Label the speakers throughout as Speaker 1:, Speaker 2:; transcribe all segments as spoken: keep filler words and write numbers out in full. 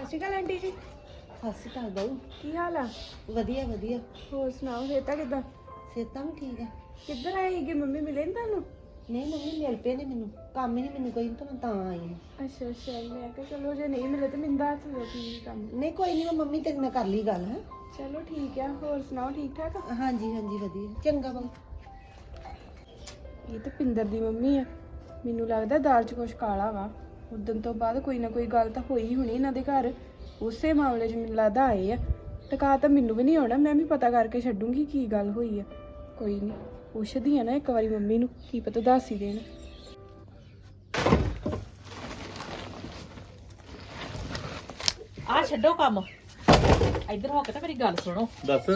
Speaker 1: ਸ਼੍ਰੀ ਅਕਾਲ aunty ਜੀ।
Speaker 2: ਸਤਿ ਸ਼੍ਰੀ ਅਕਾਲ ਬਾਊ।
Speaker 1: ਕੀ ਹਾਲ ਆ?
Speaker 2: ਵਧੀਆ ਵਧੀਆ।
Speaker 1: ਹੋਰ ਸੁਣਾਓ, ਸਿਹਤਾਂ ਕਿੱਦਾਂ?
Speaker 2: ਸਿਹਤਾਂ ਵੀ ਠੀਕ ਆ।
Speaker 1: ਕਿੱਧਰ ਆਏ ਸੀਗੇ? ਮੰਮੀ ਮਿਲੇ ਨੀ ਤੁਹਾਨੂੰ?
Speaker 2: ਨਹੀਂ ਮੰਮੀ ਮਿਲ ਪਏ ਨੇ ਮੈਨੂੰ, ਕੰਮ ਹੀ ਨਹੀਂ ਮੈਨੂੰ ਕੋਈ, ਤਾਂ ਮੈਂ ਤਾਂ ਆਈ ਹਾਂ।
Speaker 1: ਅੱਛਾ ਅੱਛਾ, ਮੈਂ ਕਿਹਾ ਚਲੋ ਜੇ ਨਹੀਂ ਮਿਲੇ ਤੇ ਮੈਨੂੰ ਦੱਸ ਦਿਓ ਕੀ ਕੰਮ।
Speaker 2: ਨਹੀਂ ਕੋਈ ਨਹੀਂ, ਮੈਂ ਮੰਮੀ ਤੇਰੇ ਨਾਲ ਕਰ ਲਈ ਗੱਲ। ਹੈ
Speaker 1: ਚਲੋ ਠੀਕ ਆ। ਹੋਰ ਸੁਣਾਓ, ਠੀਕ ਠਾਕ?
Speaker 2: ਹਾਂਜੀ ਹਾਂਜੀ ਵਧੀਆ। ਚੰਗਾ ਬਾਊ।
Speaker 1: ਇਹ ਤਾਂ ਪਿੰਦਰ ਦੀ ਮੰਮੀ ਆ। ਮੈਨੂੰ ਲੱਗਦਾ ਦਾਲ 'ਚ ਕੁਛ ਕਾਲਾ ਵਾ। ਉਦਣ ਤੋਂ ਬਾਅਦ ਕੋਈ ਨਾ ਕੋਈ ਗੱਲ ਤਾਂ ਹੋਈ ਹੋਣੀ ਇਹਨਾਂ ਦੇ ਘਰ। ਉਸੇ ਮਾਮਲੇ 'ਚ ਮੈਨੂੰ ਲੱਗਦਾ ਆਏ ਆ। ਟਕਾ ਤਾਂ ਮੈਨੂੰ ਵੀ ਨਹੀਂ ਆਉਣਾ, ਮੈਂ ਵੀ ਪਤਾ ਕਰਕੇ ਛੱਡੂੰਗੀ ਕੀ ਗੱਲ ਹੋਈ ਆ। ਕੋਈ ਨਹੀਂ, ਪੁੱਛਦੀ ਆ ਨਾ ਇੱਕ ਵਾਰੀ ਮੰਮੀ ਨੂੰ, ਕੀ ਪਤਾ ਦੱਸ ਹੀ ਦੇਣ।
Speaker 3: ਆ ਛੱਡੋ ਕੰਮ, ਇੱਧਰ ਹੋ ਕੇ ਤਾਂ ਮੇਰੀ ਗੱਲ ਸੁਣੋ।
Speaker 4: ਦੱਸ।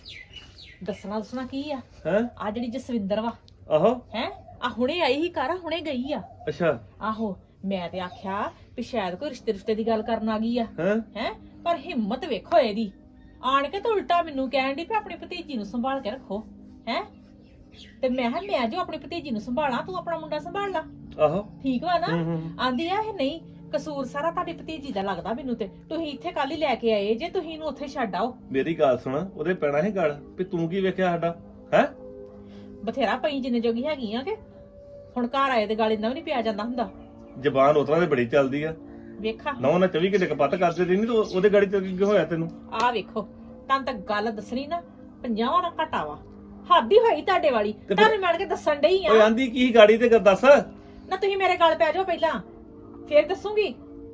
Speaker 3: ਦੱਸਣਾ ਦੱਸਣਾ ਕੀ ਆ?
Speaker 4: ਹੈ
Speaker 3: ਆ ਜਿਹੜੀ ਜਸਵਿੰਦਰ ਵਾ,
Speaker 4: ਆਹੋ।
Speaker 3: ਹੈ ਆ ਹੁਣੇ ਆਈ ਹੀ ਘਰ, ਹੁਣੇ ਗਈ ਆ।
Speaker 4: ਅੱਛਾ।
Speaker 3: ਆਹੋ, ਮੈਂ ਤੇ ਆਖਿਆ ਵੀ ਸ਼ਾਇਦ ਕੋਈ ਰਿਸ਼ਤੇ ਰਿਸ਼ਤੇ ਦੀ ਗੱਲ ਕਰਨ ਆ ਗਈ ਆ।
Speaker 4: ਹੈ
Speaker 3: ਹੈ ਪਰ ਹਿੰਮਤ ਵੇਖੋ ਇਹਦੀ, ਆਣ ਕੇ ਤਾਂ ਉਲਟਾ ਮੈਨੂੰ ਕਹਿਣ ਦੀ ਵੀ ਆਪਣੀ ਭਤੀਜੀ ਨੂੰ ਸੰਭਾਲ ਕੇ ਰੱਖੋ। ਹੈ ਤੇ ਮੈਂ ਕਿਹਾ ਮੈਂ ਜੋ ਆਪਣੀ ਭਤੀਜੀ ਨੂੰ ਸੰਭਾਲਾਂ, ਤੂੰ ਆਪਣਾ ਮੁੰਡਾ ਸੰਭਾਲ ਲਾ।
Speaker 4: ਆਹੋ
Speaker 3: ਠੀਕ ਵਾ ਨਾ?
Speaker 4: ਹੂੰ, ਹੂੰ।
Speaker 3: ਆਂਦੀ ਆ ਇਹ ਨਹੀਂ, ਕਸੂਰ ਸਾਰਾ ਤੁਹਾਡੀ ਭਤੀਜੀ ਦਾ ਲੱਗਦਾ ਮੈਨੂੰ। ਤੇ ਤੁਸੀਂ ਇੱਥੇ ਕੱਲ ਹੀ ਲੈ ਕੇ ਆਏ ਜੇ, ਤੁਸੀਂ ਇਹਨੂੰ ਉੱਥੇ ਛੱਡ ਆਓ।
Speaker 4: ਮੇਰੀ ਗੱਲ ਸੁਣ, ਉਹਦੇ ਪੈਣਾ ਸੀ ਗੱਲ ਵੀ ਤੂੰ ਕੀ ਵੇਖਿਆ ਸਾਡਾ। ਹੈ
Speaker 3: ਬਥੇਰਾ ਪਈ ਜਿੰਨੇ ਜੋਗੀ ਹੈਗੀ ਆ ਕਿ ਹੁਣ ਘਰ ਆਏ ਤੇ ਗੱਲ ਇੰਨਾ ਵੀ ਨਹੀਂ ਪਿਆ ਜਾਂਦਾ ਹੁੰਦਾ।
Speaker 4: ਜ਼ਬਾਨ ਉਤਰਾਂ ਤੇ ਬੜੀ ਚੱਲਦੀ ਆ।
Speaker 3: ਵੇਖਾ
Speaker 4: ਨਾ ਨਾ ਚੌਵੀ ਘੰਟੇ ਕਪੱਤ ਕਰਦੇ ਰਹੀ, ਨਹੀਂ ਤੂੰ ਉਹਦੇ ਗਾੜੀ ਤੇ ਕੀ ਹੋਇਆ ਤੈਨੂੰ?
Speaker 3: ਆ ਵੇਖੋ, ਤੁਹਾਨੂੰ ਤਾਂ ਗੱਲ ਦੱਸਣੀ ਨਾ ਪੰਜਾਹਾਂ ਦਾ ਘਟਾ ਵਾ। ਹੱਦ ਹੀ ਹੋਈ ਤੁਹਾਡੇ ਵਾਲੀ।
Speaker 4: ਤੇ ਫਿਰ-
Speaker 3: ਤੁਹਾਨੂੰ ਮਿਲ ਕੇ ਦੱਸਣ ਡਈ
Speaker 4: ਓਏ
Speaker 3: ਆ
Speaker 4: ਆਂਦੀ ਕੀ ਗਾੜੀ ਤੇ ਦੱਸ।
Speaker 3: ਨਾ, ਤੁਸੀਂ ਮੇਰੇ ਗੱਲ ਪੈ ਜਾਓ ਪਹਿਲਾਂ, ਫੇਰ ਦੱਸੂਗੀ।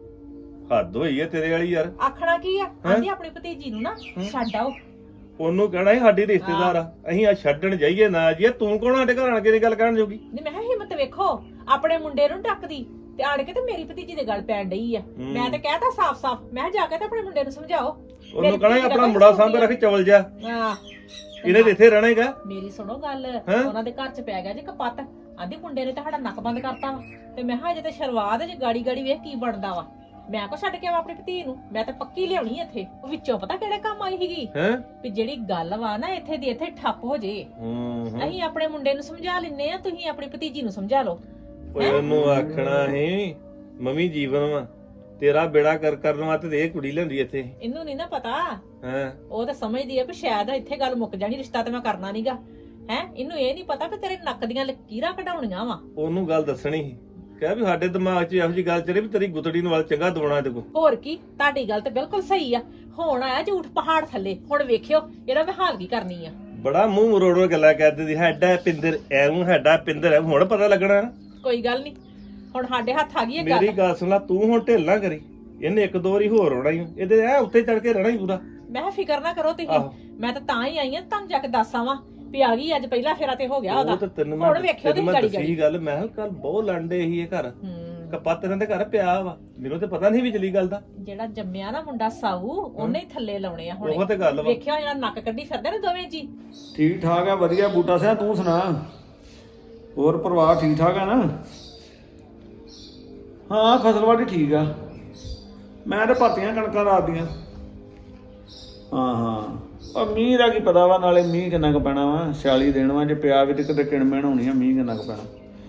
Speaker 4: ਹੱਦ ਹੋਈ ਹੈ ਤੇਰੇ ਵਾਲੀ ਯਾਰ।
Speaker 3: ਆਖਣਾ ਕੀ ਆ? ਆਂਦੀ ਆਪਣੀ ਭਤੀਜੀ ਨੂੰ ਨਾ ਛੱਡ ਆਓ।
Speaker 4: ਉਹਨੂੰ ਕਹਿਣਾ ਸੀ ਸਾਡੀ ਰਿਸ਼ਤੇਦਾਰ ਆ, ਅਸੀਂ ਆ ਛੱਡਣ ਜਾਈਏ ਨਾ ਜਾਈਏ, ਤੂੰ ਕੌਣ ਸਾਡੇ ਘਰ ਆਣ ਕੇ ਇਹ ਗੱਲ ਕਰਨ ਜੋਗੀ?
Speaker 3: ਨਹੀਂ, ਮੈਂ ਕਿਹਾ ਹਿੰਮਤ ਵੇਖੋ, ਆਪਣੇ ਮੁੰਡੇ ਨੂੰ ਟੱਕਦੀ ਤੇ ਆਣ ਕੇ ਤੇ ਮੇਰੀ ਭਤੀਜੀ ਦੇ ਗੱਲ ਪੈਣ ਡਈ ਆ। ਮੈਂ ਤੇ ਕਹਿਤਾ ਸਾਫ਼-ਸਾਫ਼, ਮੈਂ ਕਿਹਾ ਜਾ ਕੇ ਤੇ ਆਪਣੇ ਮੁੰਡੇ ਨੂੰ ਸਮਝਾਓ।
Speaker 4: ਉਹਨੂੰ ਕਹਿਣਾ ਸੀ ਆਪਣਾ ਮੁੰਡਾ ਸਾਂਭੇ ਰੱਖ, ਚਵਲ ਜਾ।
Speaker 3: ਹਾਂ,
Speaker 4: ਇਹਨੇ ਤੇ ਇੱਥੇ ਰਹਿਣਾ ਹੈਗਾ।
Speaker 3: ਮੇਰੀ ਸੁਣੋ ਗੱਲ, ਉਹਨਾਂ ਦੇ ਘਰ ਚ ਪੈ ਗਿਆ ਜੀ ਕਪੱਤ। ਆਂਦੀ ਮੁੰਡੇ ਨੇ ਤਾਂ ਸਾਡਾ ਨੱਕ ਬੰਦ ਕਰਤਾ ਵਾ। ਤੇ ਮੈਂ ਕਿਹਾ ਅਜੇ ਤੇ ਸ਼ੁਰੂਆਤ ਜੇ ਗਾੜੀ ਗਾੜੀ ਵੇਖ ਕੀ ਬਣਦਾ ਵਾ। ਮੈਂ ਕੋ ਛੱਡ ਕੇ ਆਵਾਂ ਆਪਣੀ ਭਤੀ ਨੂੰ? ਮੈਂ ਤਾਂ ਪੱਕੀ ਲਿਆਉਣੀ ਇੱਥੇ। ਉਹ ਵਿੱਚੋਂ ਪਤਾ ਕਿਹੜੇ ਕੰਮ ਆਈ ਸੀਗੀ?
Speaker 4: ਹੈ
Speaker 3: ਵੀ ਜਿਹੜੀ ਗੱਲ ਵਾ ਨਾ ਇੱਥੇ ਦੀ ਇੱਥੇ ਠੱਪ ਹੋ ਜੇ। ਅਸੀਂ ਆਪਣੇ ਮੁੰਡੇ ਨੂੰ ਸਮਝਾ ਲੈਨੇ ਆ, ਤੁਸੀਂ ਆਪਣੀ ਭਤੀਜੀ ਨੂੰ ਸਮਝਾ ਲਓ।
Speaker 4: ਓਏ ਉਹਨੂੰ ਆਖਣਾ ਸੀ ਮੰਮੀ ਜੀਵਨ ਵਾ ਤੇਰਾ ਬੇੜਾ ਕਰ ਕਰਨ ਵਾਸਤੇ ਤੇ ਇਹ ਕੁੜੀ ਲੈਂਦੀ ਇੱਥੇ।
Speaker 3: ਇਹਨੂੰ ਨਹੀਂ ਨਾ ਪਤਾ।
Speaker 4: ਹਾਂ,
Speaker 3: ਉਹ ਤਾਂ ਸਮਝਦੀ ਆ ਵੀ ਸ਼ਾਇਦ ਇੱਥੇ ਗੱਲ ਮੁੱਕ ਜਾਣੀ, ਰਿਸ਼ਤਾ ਤੇ ਮੈਂ ਕਰਨਾ ਨਹੀਂਗਾ। ਹੈ ਇਹਨੂੰ ਇਹ ਨਹੀਂ ਪਤਾ ਵੀ ਤੇਰੇ ਨੱਕ ਦੀਆਂ ਲਕੀਰਾਂ ਕਢਾਉਣੀਆਂ ਵਾ।
Speaker 4: ਉਹਨੂੰ ਗੱਲ ਦੱਸਣੀ ਸੀ, ਕਹਿ ਵੀ ਸਾਡੇ ਦਿਮਾਗ 'ਚ ਇਹੋ ਜਿਹੀ ਗੱਲ ਚੱਲੇ ਵੀ ਤੇਰੀ ਗੁੱਤੜੀ ਨੂੰ ਵੱਲ ਚੰਗਾ ਦਵਾਉਣਾ ਇਹਦੇ ਕੋਲ।
Speaker 3: ਹੋਰ ਕੀ, ਤੁਹਾਡੀ ਗੱਲ ਤੇ ਬਿਲਕੁਲ ਸਹੀ ਆ। ਹੁਣ ਆਇਆ ਝੂਠ ਪਹਾੜ ਥੱਲੇ, ਹੁਣ ਵੇਖਿਓ ਇਹਦਾ ਮੈਂ ਹਾਲ ਕੀ ਕਰਨੀ ਆ।
Speaker 4: ਬੜਾ ਮੂੰਹ ਮਰੋੜੋ ਗੱਲਾਂ ਕਰਦੇ ਸੀ, ਸਾਡਾ ਪਿੰਦਰ ਐਵੇਂ, ਸਾਡਾ ਪਿੰਦਰ ਐ। ਹੁਣ ਪਤਾ ਲੱਗਣਾ।
Speaker 3: ਕੋਈ ਗੱਲ ਨਹੀਂ, ਹੁਣ ਸਾਡੇ ਹੱਥ ਆ ਗਈ ਇਹ
Speaker 4: ਮੇਰੀ
Speaker 3: ਗੱਲ।
Speaker 4: ਗੱਲ ਸੁਣ ਲੈ, ਤੂੰ ਹੁਣ ਢਿੱਲ ਨਾ ਕਰੀ। ਇਹਨੇ ਇੱਕ ਦੋ ਵਾਰੀ ਹੋਰ ਆਉਣਾ ਹੀ, ਇਹਦੇ ਐ ਉੱਤੇ ਚੜ ਕੇ ਰਹਿਣਾ ਹੀ ਪੂਰਾ।
Speaker 3: ਮੈਂ ਕਿਹਾ ਫਿਕਰ ਨਾ ਕਰੋ ਤੁਸੀਂ,
Speaker 4: ਆਹੋ।
Speaker 3: ਮੈਂ ਤਾਂ ਤਾਂ ਹੀ ਆਈ ਆ ਤੁਹਾਨੂੰ ਜਾ ਕੇ ਦੱਸ ਆਵਾਂ ਵੀ ਆ ਗਈ ਅੱਜ। ਪਹਿਲਾ ਫੇਰਾ ਤੇ ਹੋ ਗਿਆ
Speaker 4: ਉਹ ਤਾਂ
Speaker 3: ਉਹਦਾ।
Speaker 4: ਤੈਨੂੰ ਮੈਂ
Speaker 3: ਹੁਣ ਵੇਖਿਓ
Speaker 4: ਤੈਨੂੰ
Speaker 3: ਤੁਸੀਂ
Speaker 4: ਮੈਂ
Speaker 3: ਗਾੜੀ
Speaker 4: ਦੱਸੀ ਗੱਲ, ਮੈਂ ਕਿਹਾ ਕੱਲ ਬਹੁਤ ਲੰਡੇ ਸੀ ਇਹ ਘਰ।
Speaker 3: ਹੂੰ,
Speaker 4: ਕਪੱਤ ਇਹਨਾਂ ਦੇ ਘਰ ਪਿਆ ਵਾ, ਮੈਨੂੰ ਤੇ ਪਤਾ ਨਹੀਂ ਵਿਚਲੀ ਗੱਲ ਦਾ।
Speaker 3: ਜਿਹੜਾ ਜੰਮਿਆ ਨਾ ਮੁੰਡਾ ਸਾਊ, ਉਹਨੇ ਹੀ ਥੱਲੇ ਲਾਉਣੇ ਆ ਹੁਣ।
Speaker 4: ਉਹ ਤੇ ਗੱਲ ਵਾ।
Speaker 3: ਵੇਖਿਓ ਜਿਹੜਾ ਨੱਕ ਕੱਢੀ ਫਿਰਦੇ ਨੇ ਦੋਵੇਂ ਜੀ।
Speaker 5: ਠੀਕ ਠਾਕ ਆ, ਵਧੀਆ। ਬੂਟਾ ਸਿਆ ਤੂੰ ਸੁਣਾ, ਹੋਰ ਪਰਿਵਾਰ ਠੀਕ ਠਾਕ ਆ ਨਾ? ਹਾਂ, ਫਸਲਵਾੜੀ ਠੀਕ ਆ। ਮੈਂ ਤੇ ਭਰਤੀਆਂ ਕਣਕਾਂ ਰਾਤਦੀਆਂ। ਹਾਂ ਹਾਂ, ਉਹ ਮੀਂਹ ਦਾ ਕੀ ਪਤਾ ਵਾ, ਨਾਲੇ ਮੀਂਹ ਕਿੰਨਾ ਕੁ ਪੈਣਾ ਵਾ। ਛਿਆਲੀ ਦਿਨ ਵਾ, ਜੇ ਪਿਆ ਵੀ ਤੇ ਕਿਤੇ ਕਿਣਮਣ ਹੋਣੀ ਆ, ਮੀਂਹ ਕਿੰਨਾ ਕੁ ਪੈਣਾ।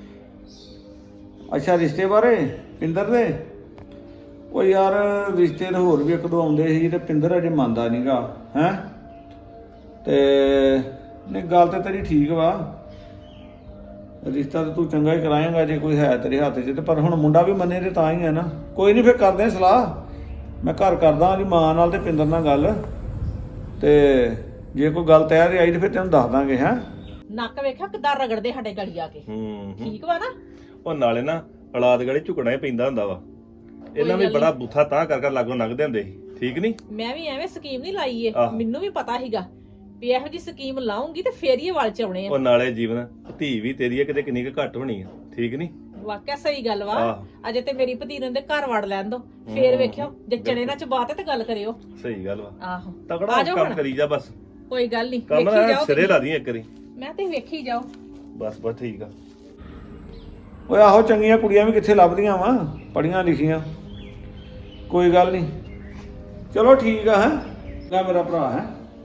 Speaker 5: ਅੱਛਾ, ਰਿਸ਼ਤੇ ਬਾਰੇ ਪਿੰਦਰ ਦੇ? ਉਹ ਯਾਰ ਰਿਸ਼ਤੇ ਤਾਂ ਹੋਰ ਵੀ ਇੱਕ ਦੋ ਆਉਂਦੇ ਸੀ ਤੇ ਪਿੰਦਰ ਅਜੇ ਮੰਨਦਾ ਨਹੀਂਗਾ। ਹੈਂ ਤੇ ਨਹੀਂ, ਗੱਲ ਤੇ ਤੇਰੀ ਠੀਕ ਵਾ, ਰਿਸ਼ਤਾ ਤਾਂ ਤੂੰ ਚੰਗਾ ਹੀ ਕਰਾਏਂਗਾ ਜੇ ਕੋਈ ਹੈ ਤੇਰੇ ਹੱਥ 'ਚ ਤੇ। ਪਰ ਹੁਣ ਮੁੰਡਾ ਵੀ ਮੰਨੇ ਤੇ ਤਾਂ ਹੀ ਹੈ ਨਾ। ਕੋਈ ਨਹੀਂ, ਫਿਰ ਕਰਦੇ ਸਲਾਹ। ਮੈਂ ਘਰ ਕਰਦਾ ਉਹਦੀ ਮਾਂ ਨਾਲ ਤੇ ਪਿੰਦਰ ਨਾਲ ਗੱਲ, ਤੇ ਜੇ ਕੋਈ ਗੱਲ ਤਿਆਰ ਆਈ ਤੇ ਫਿਰ ਤੈਨੂੰ ਦੱਸ ਦਾਂਗੇ। ਹੈਂ
Speaker 3: ਨੱਕ ਵੇਖਿਆ ਕਿੱਦਾਂ ਰਗੜਦੇ ਸਾਡੇ ਗਲੀ ਆ ਕੇ।
Speaker 4: ਹੂੰ,
Speaker 3: ਠੀਕ ਵਾ ਨਾ?
Speaker 4: ਉਹ ਨਾਲੇ ਨਾ ਔਲਾਦ ਗਲੇ ਝੁਕਣਾ ਹੀ ਪੈਂਦਾ ਹੁੰਦਾ ਵਾ। ਇਹਨਾਂ ਵੀ ਬੜਾ ਬੁੱਥਾ ਤਾਂ ਕਰ ਕਰ ਲਾਗੋਂ ਲੰਘਦੇ ਹੁੰਦੇ ਸੀ। ਠੀਕ ਨਹੀਂ,
Speaker 3: ਮੈਂ ਵੀ ਐਵੇਂ ਸਕੀਮ ਨਹੀਂ ਲਾਈ ਏ।
Speaker 4: ਆਹ।
Speaker 3: ਮੈਨੂੰ ਵੀ ਪਤਾ ਸੀਗਾ ਵੀ ਇਹੋ ਜੀ ਸਕੀਮ ਲਾਉਂਗੀ ਤੇ ਫੇਰ ਹੀ ਇਹ ਵੱਲ ਚ ਆਉਣੇ ਆ।
Speaker 4: ਉਹ ਨਾਲੇ ਜੀਵਨ ਧੀ ਵੀ ਤੇਰੀ ਆ, ਕਿਤੇ ਕਿੰਨੀ ਕੁ ਘੱਟ ਹੋਣੀ ਆ। ਠੀਕ ਨਹੀਂ,
Speaker 3: ਵਾਕਿਆ ਸਹੀ ਗੱਲ ਵਾ।
Speaker 4: ਆਹ।
Speaker 3: ਅਜੇ ਤੇ ਮੇਰੀ ਭਤੀਨ ਦੇ ਘਰ ਵੜ ਲੈਣ ਦੋ, ਫੇਰ ਵੇਖਿਓ ਜੇ ਚਣੇ ਨਾਲ ਚਬਾਤੇ ਤੇ ਗੱਲ ਕਰਿਓ।
Speaker 4: ਸਹੀ ਗੱਲ ਵਾ।
Speaker 3: ਆਹੋ,
Speaker 4: ਤਕੜਾ
Speaker 3: ਆ ਜਾਓ
Speaker 4: ਕੰਮ
Speaker 3: ਹੁਣ।
Speaker 4: ਕਰੀ ਜਾ ਬਸ।
Speaker 3: ਕੋਈ ਗੱਲ ਨਹੀਂ,
Speaker 4: ਕੰਮ
Speaker 3: ਵੇਖੀ
Speaker 4: ਨਾ
Speaker 3: ਜਾਓ
Speaker 4: ਸਿਰੇ
Speaker 3: ਤੁਸੀਂ।
Speaker 4: ਲਾ ਦੀ ਇੱਕ ਵਾਰੀ।
Speaker 3: ਮੈਂ ਤੇ ਵੇਖੀ ਜਾਓ।
Speaker 4: ਬਸ ਬਸ ਠੀਕ ਆ।
Speaker 5: ਓਏ ਆਹੋ, ਚੰਗੀਆਂ ਕੁੜੀਆਂ ਵੀ ਕਿੱਥੇ ਲੱਭਦੀਆਂ ਵਾ, ਪੜੀਆਂ ਲਿਖੀਆਂ। ਕੋਈ ਗੱਲ ਨਹੀਂ, ਚਲੋ ਠੀਕ ਆ। ਹੈ ਲੈ ਮੇਰਾ ਭਰਾ, ਹੈ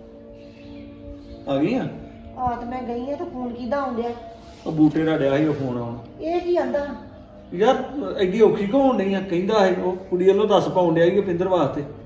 Speaker 5: ਆ ਗਈ ਆ।
Speaker 2: ਆ ਤੇ ਮੈਂ ਗਈ ਆ, ਤੇ ਫੋਨ ਕਿਹਦਾ ਆਉਂਦਿਆ?
Speaker 5: ਉਹ ਬੂਟੇ ਦਾ ਡਿਆ ਸੀ ਉਹ ਫੋਨ ਆਉਣ।
Speaker 2: ਇਹ ਕੀ ਆਂਦਾ?
Speaker 5: ਯਾਰ ਐਡੀ ਔਖੀ ਕਿਉਂ ਹੋਣ ਡਈ ਆ? ਕਹਿੰਦਾ ਹੈ ਉਹ ਕੁੜੀ ਵੱਲੋਂ ਦੱਸ ਪਾਉਣ ਡਿਆ ਸੀ ਪਿੰਦਰ ਵਾਸਤੇ।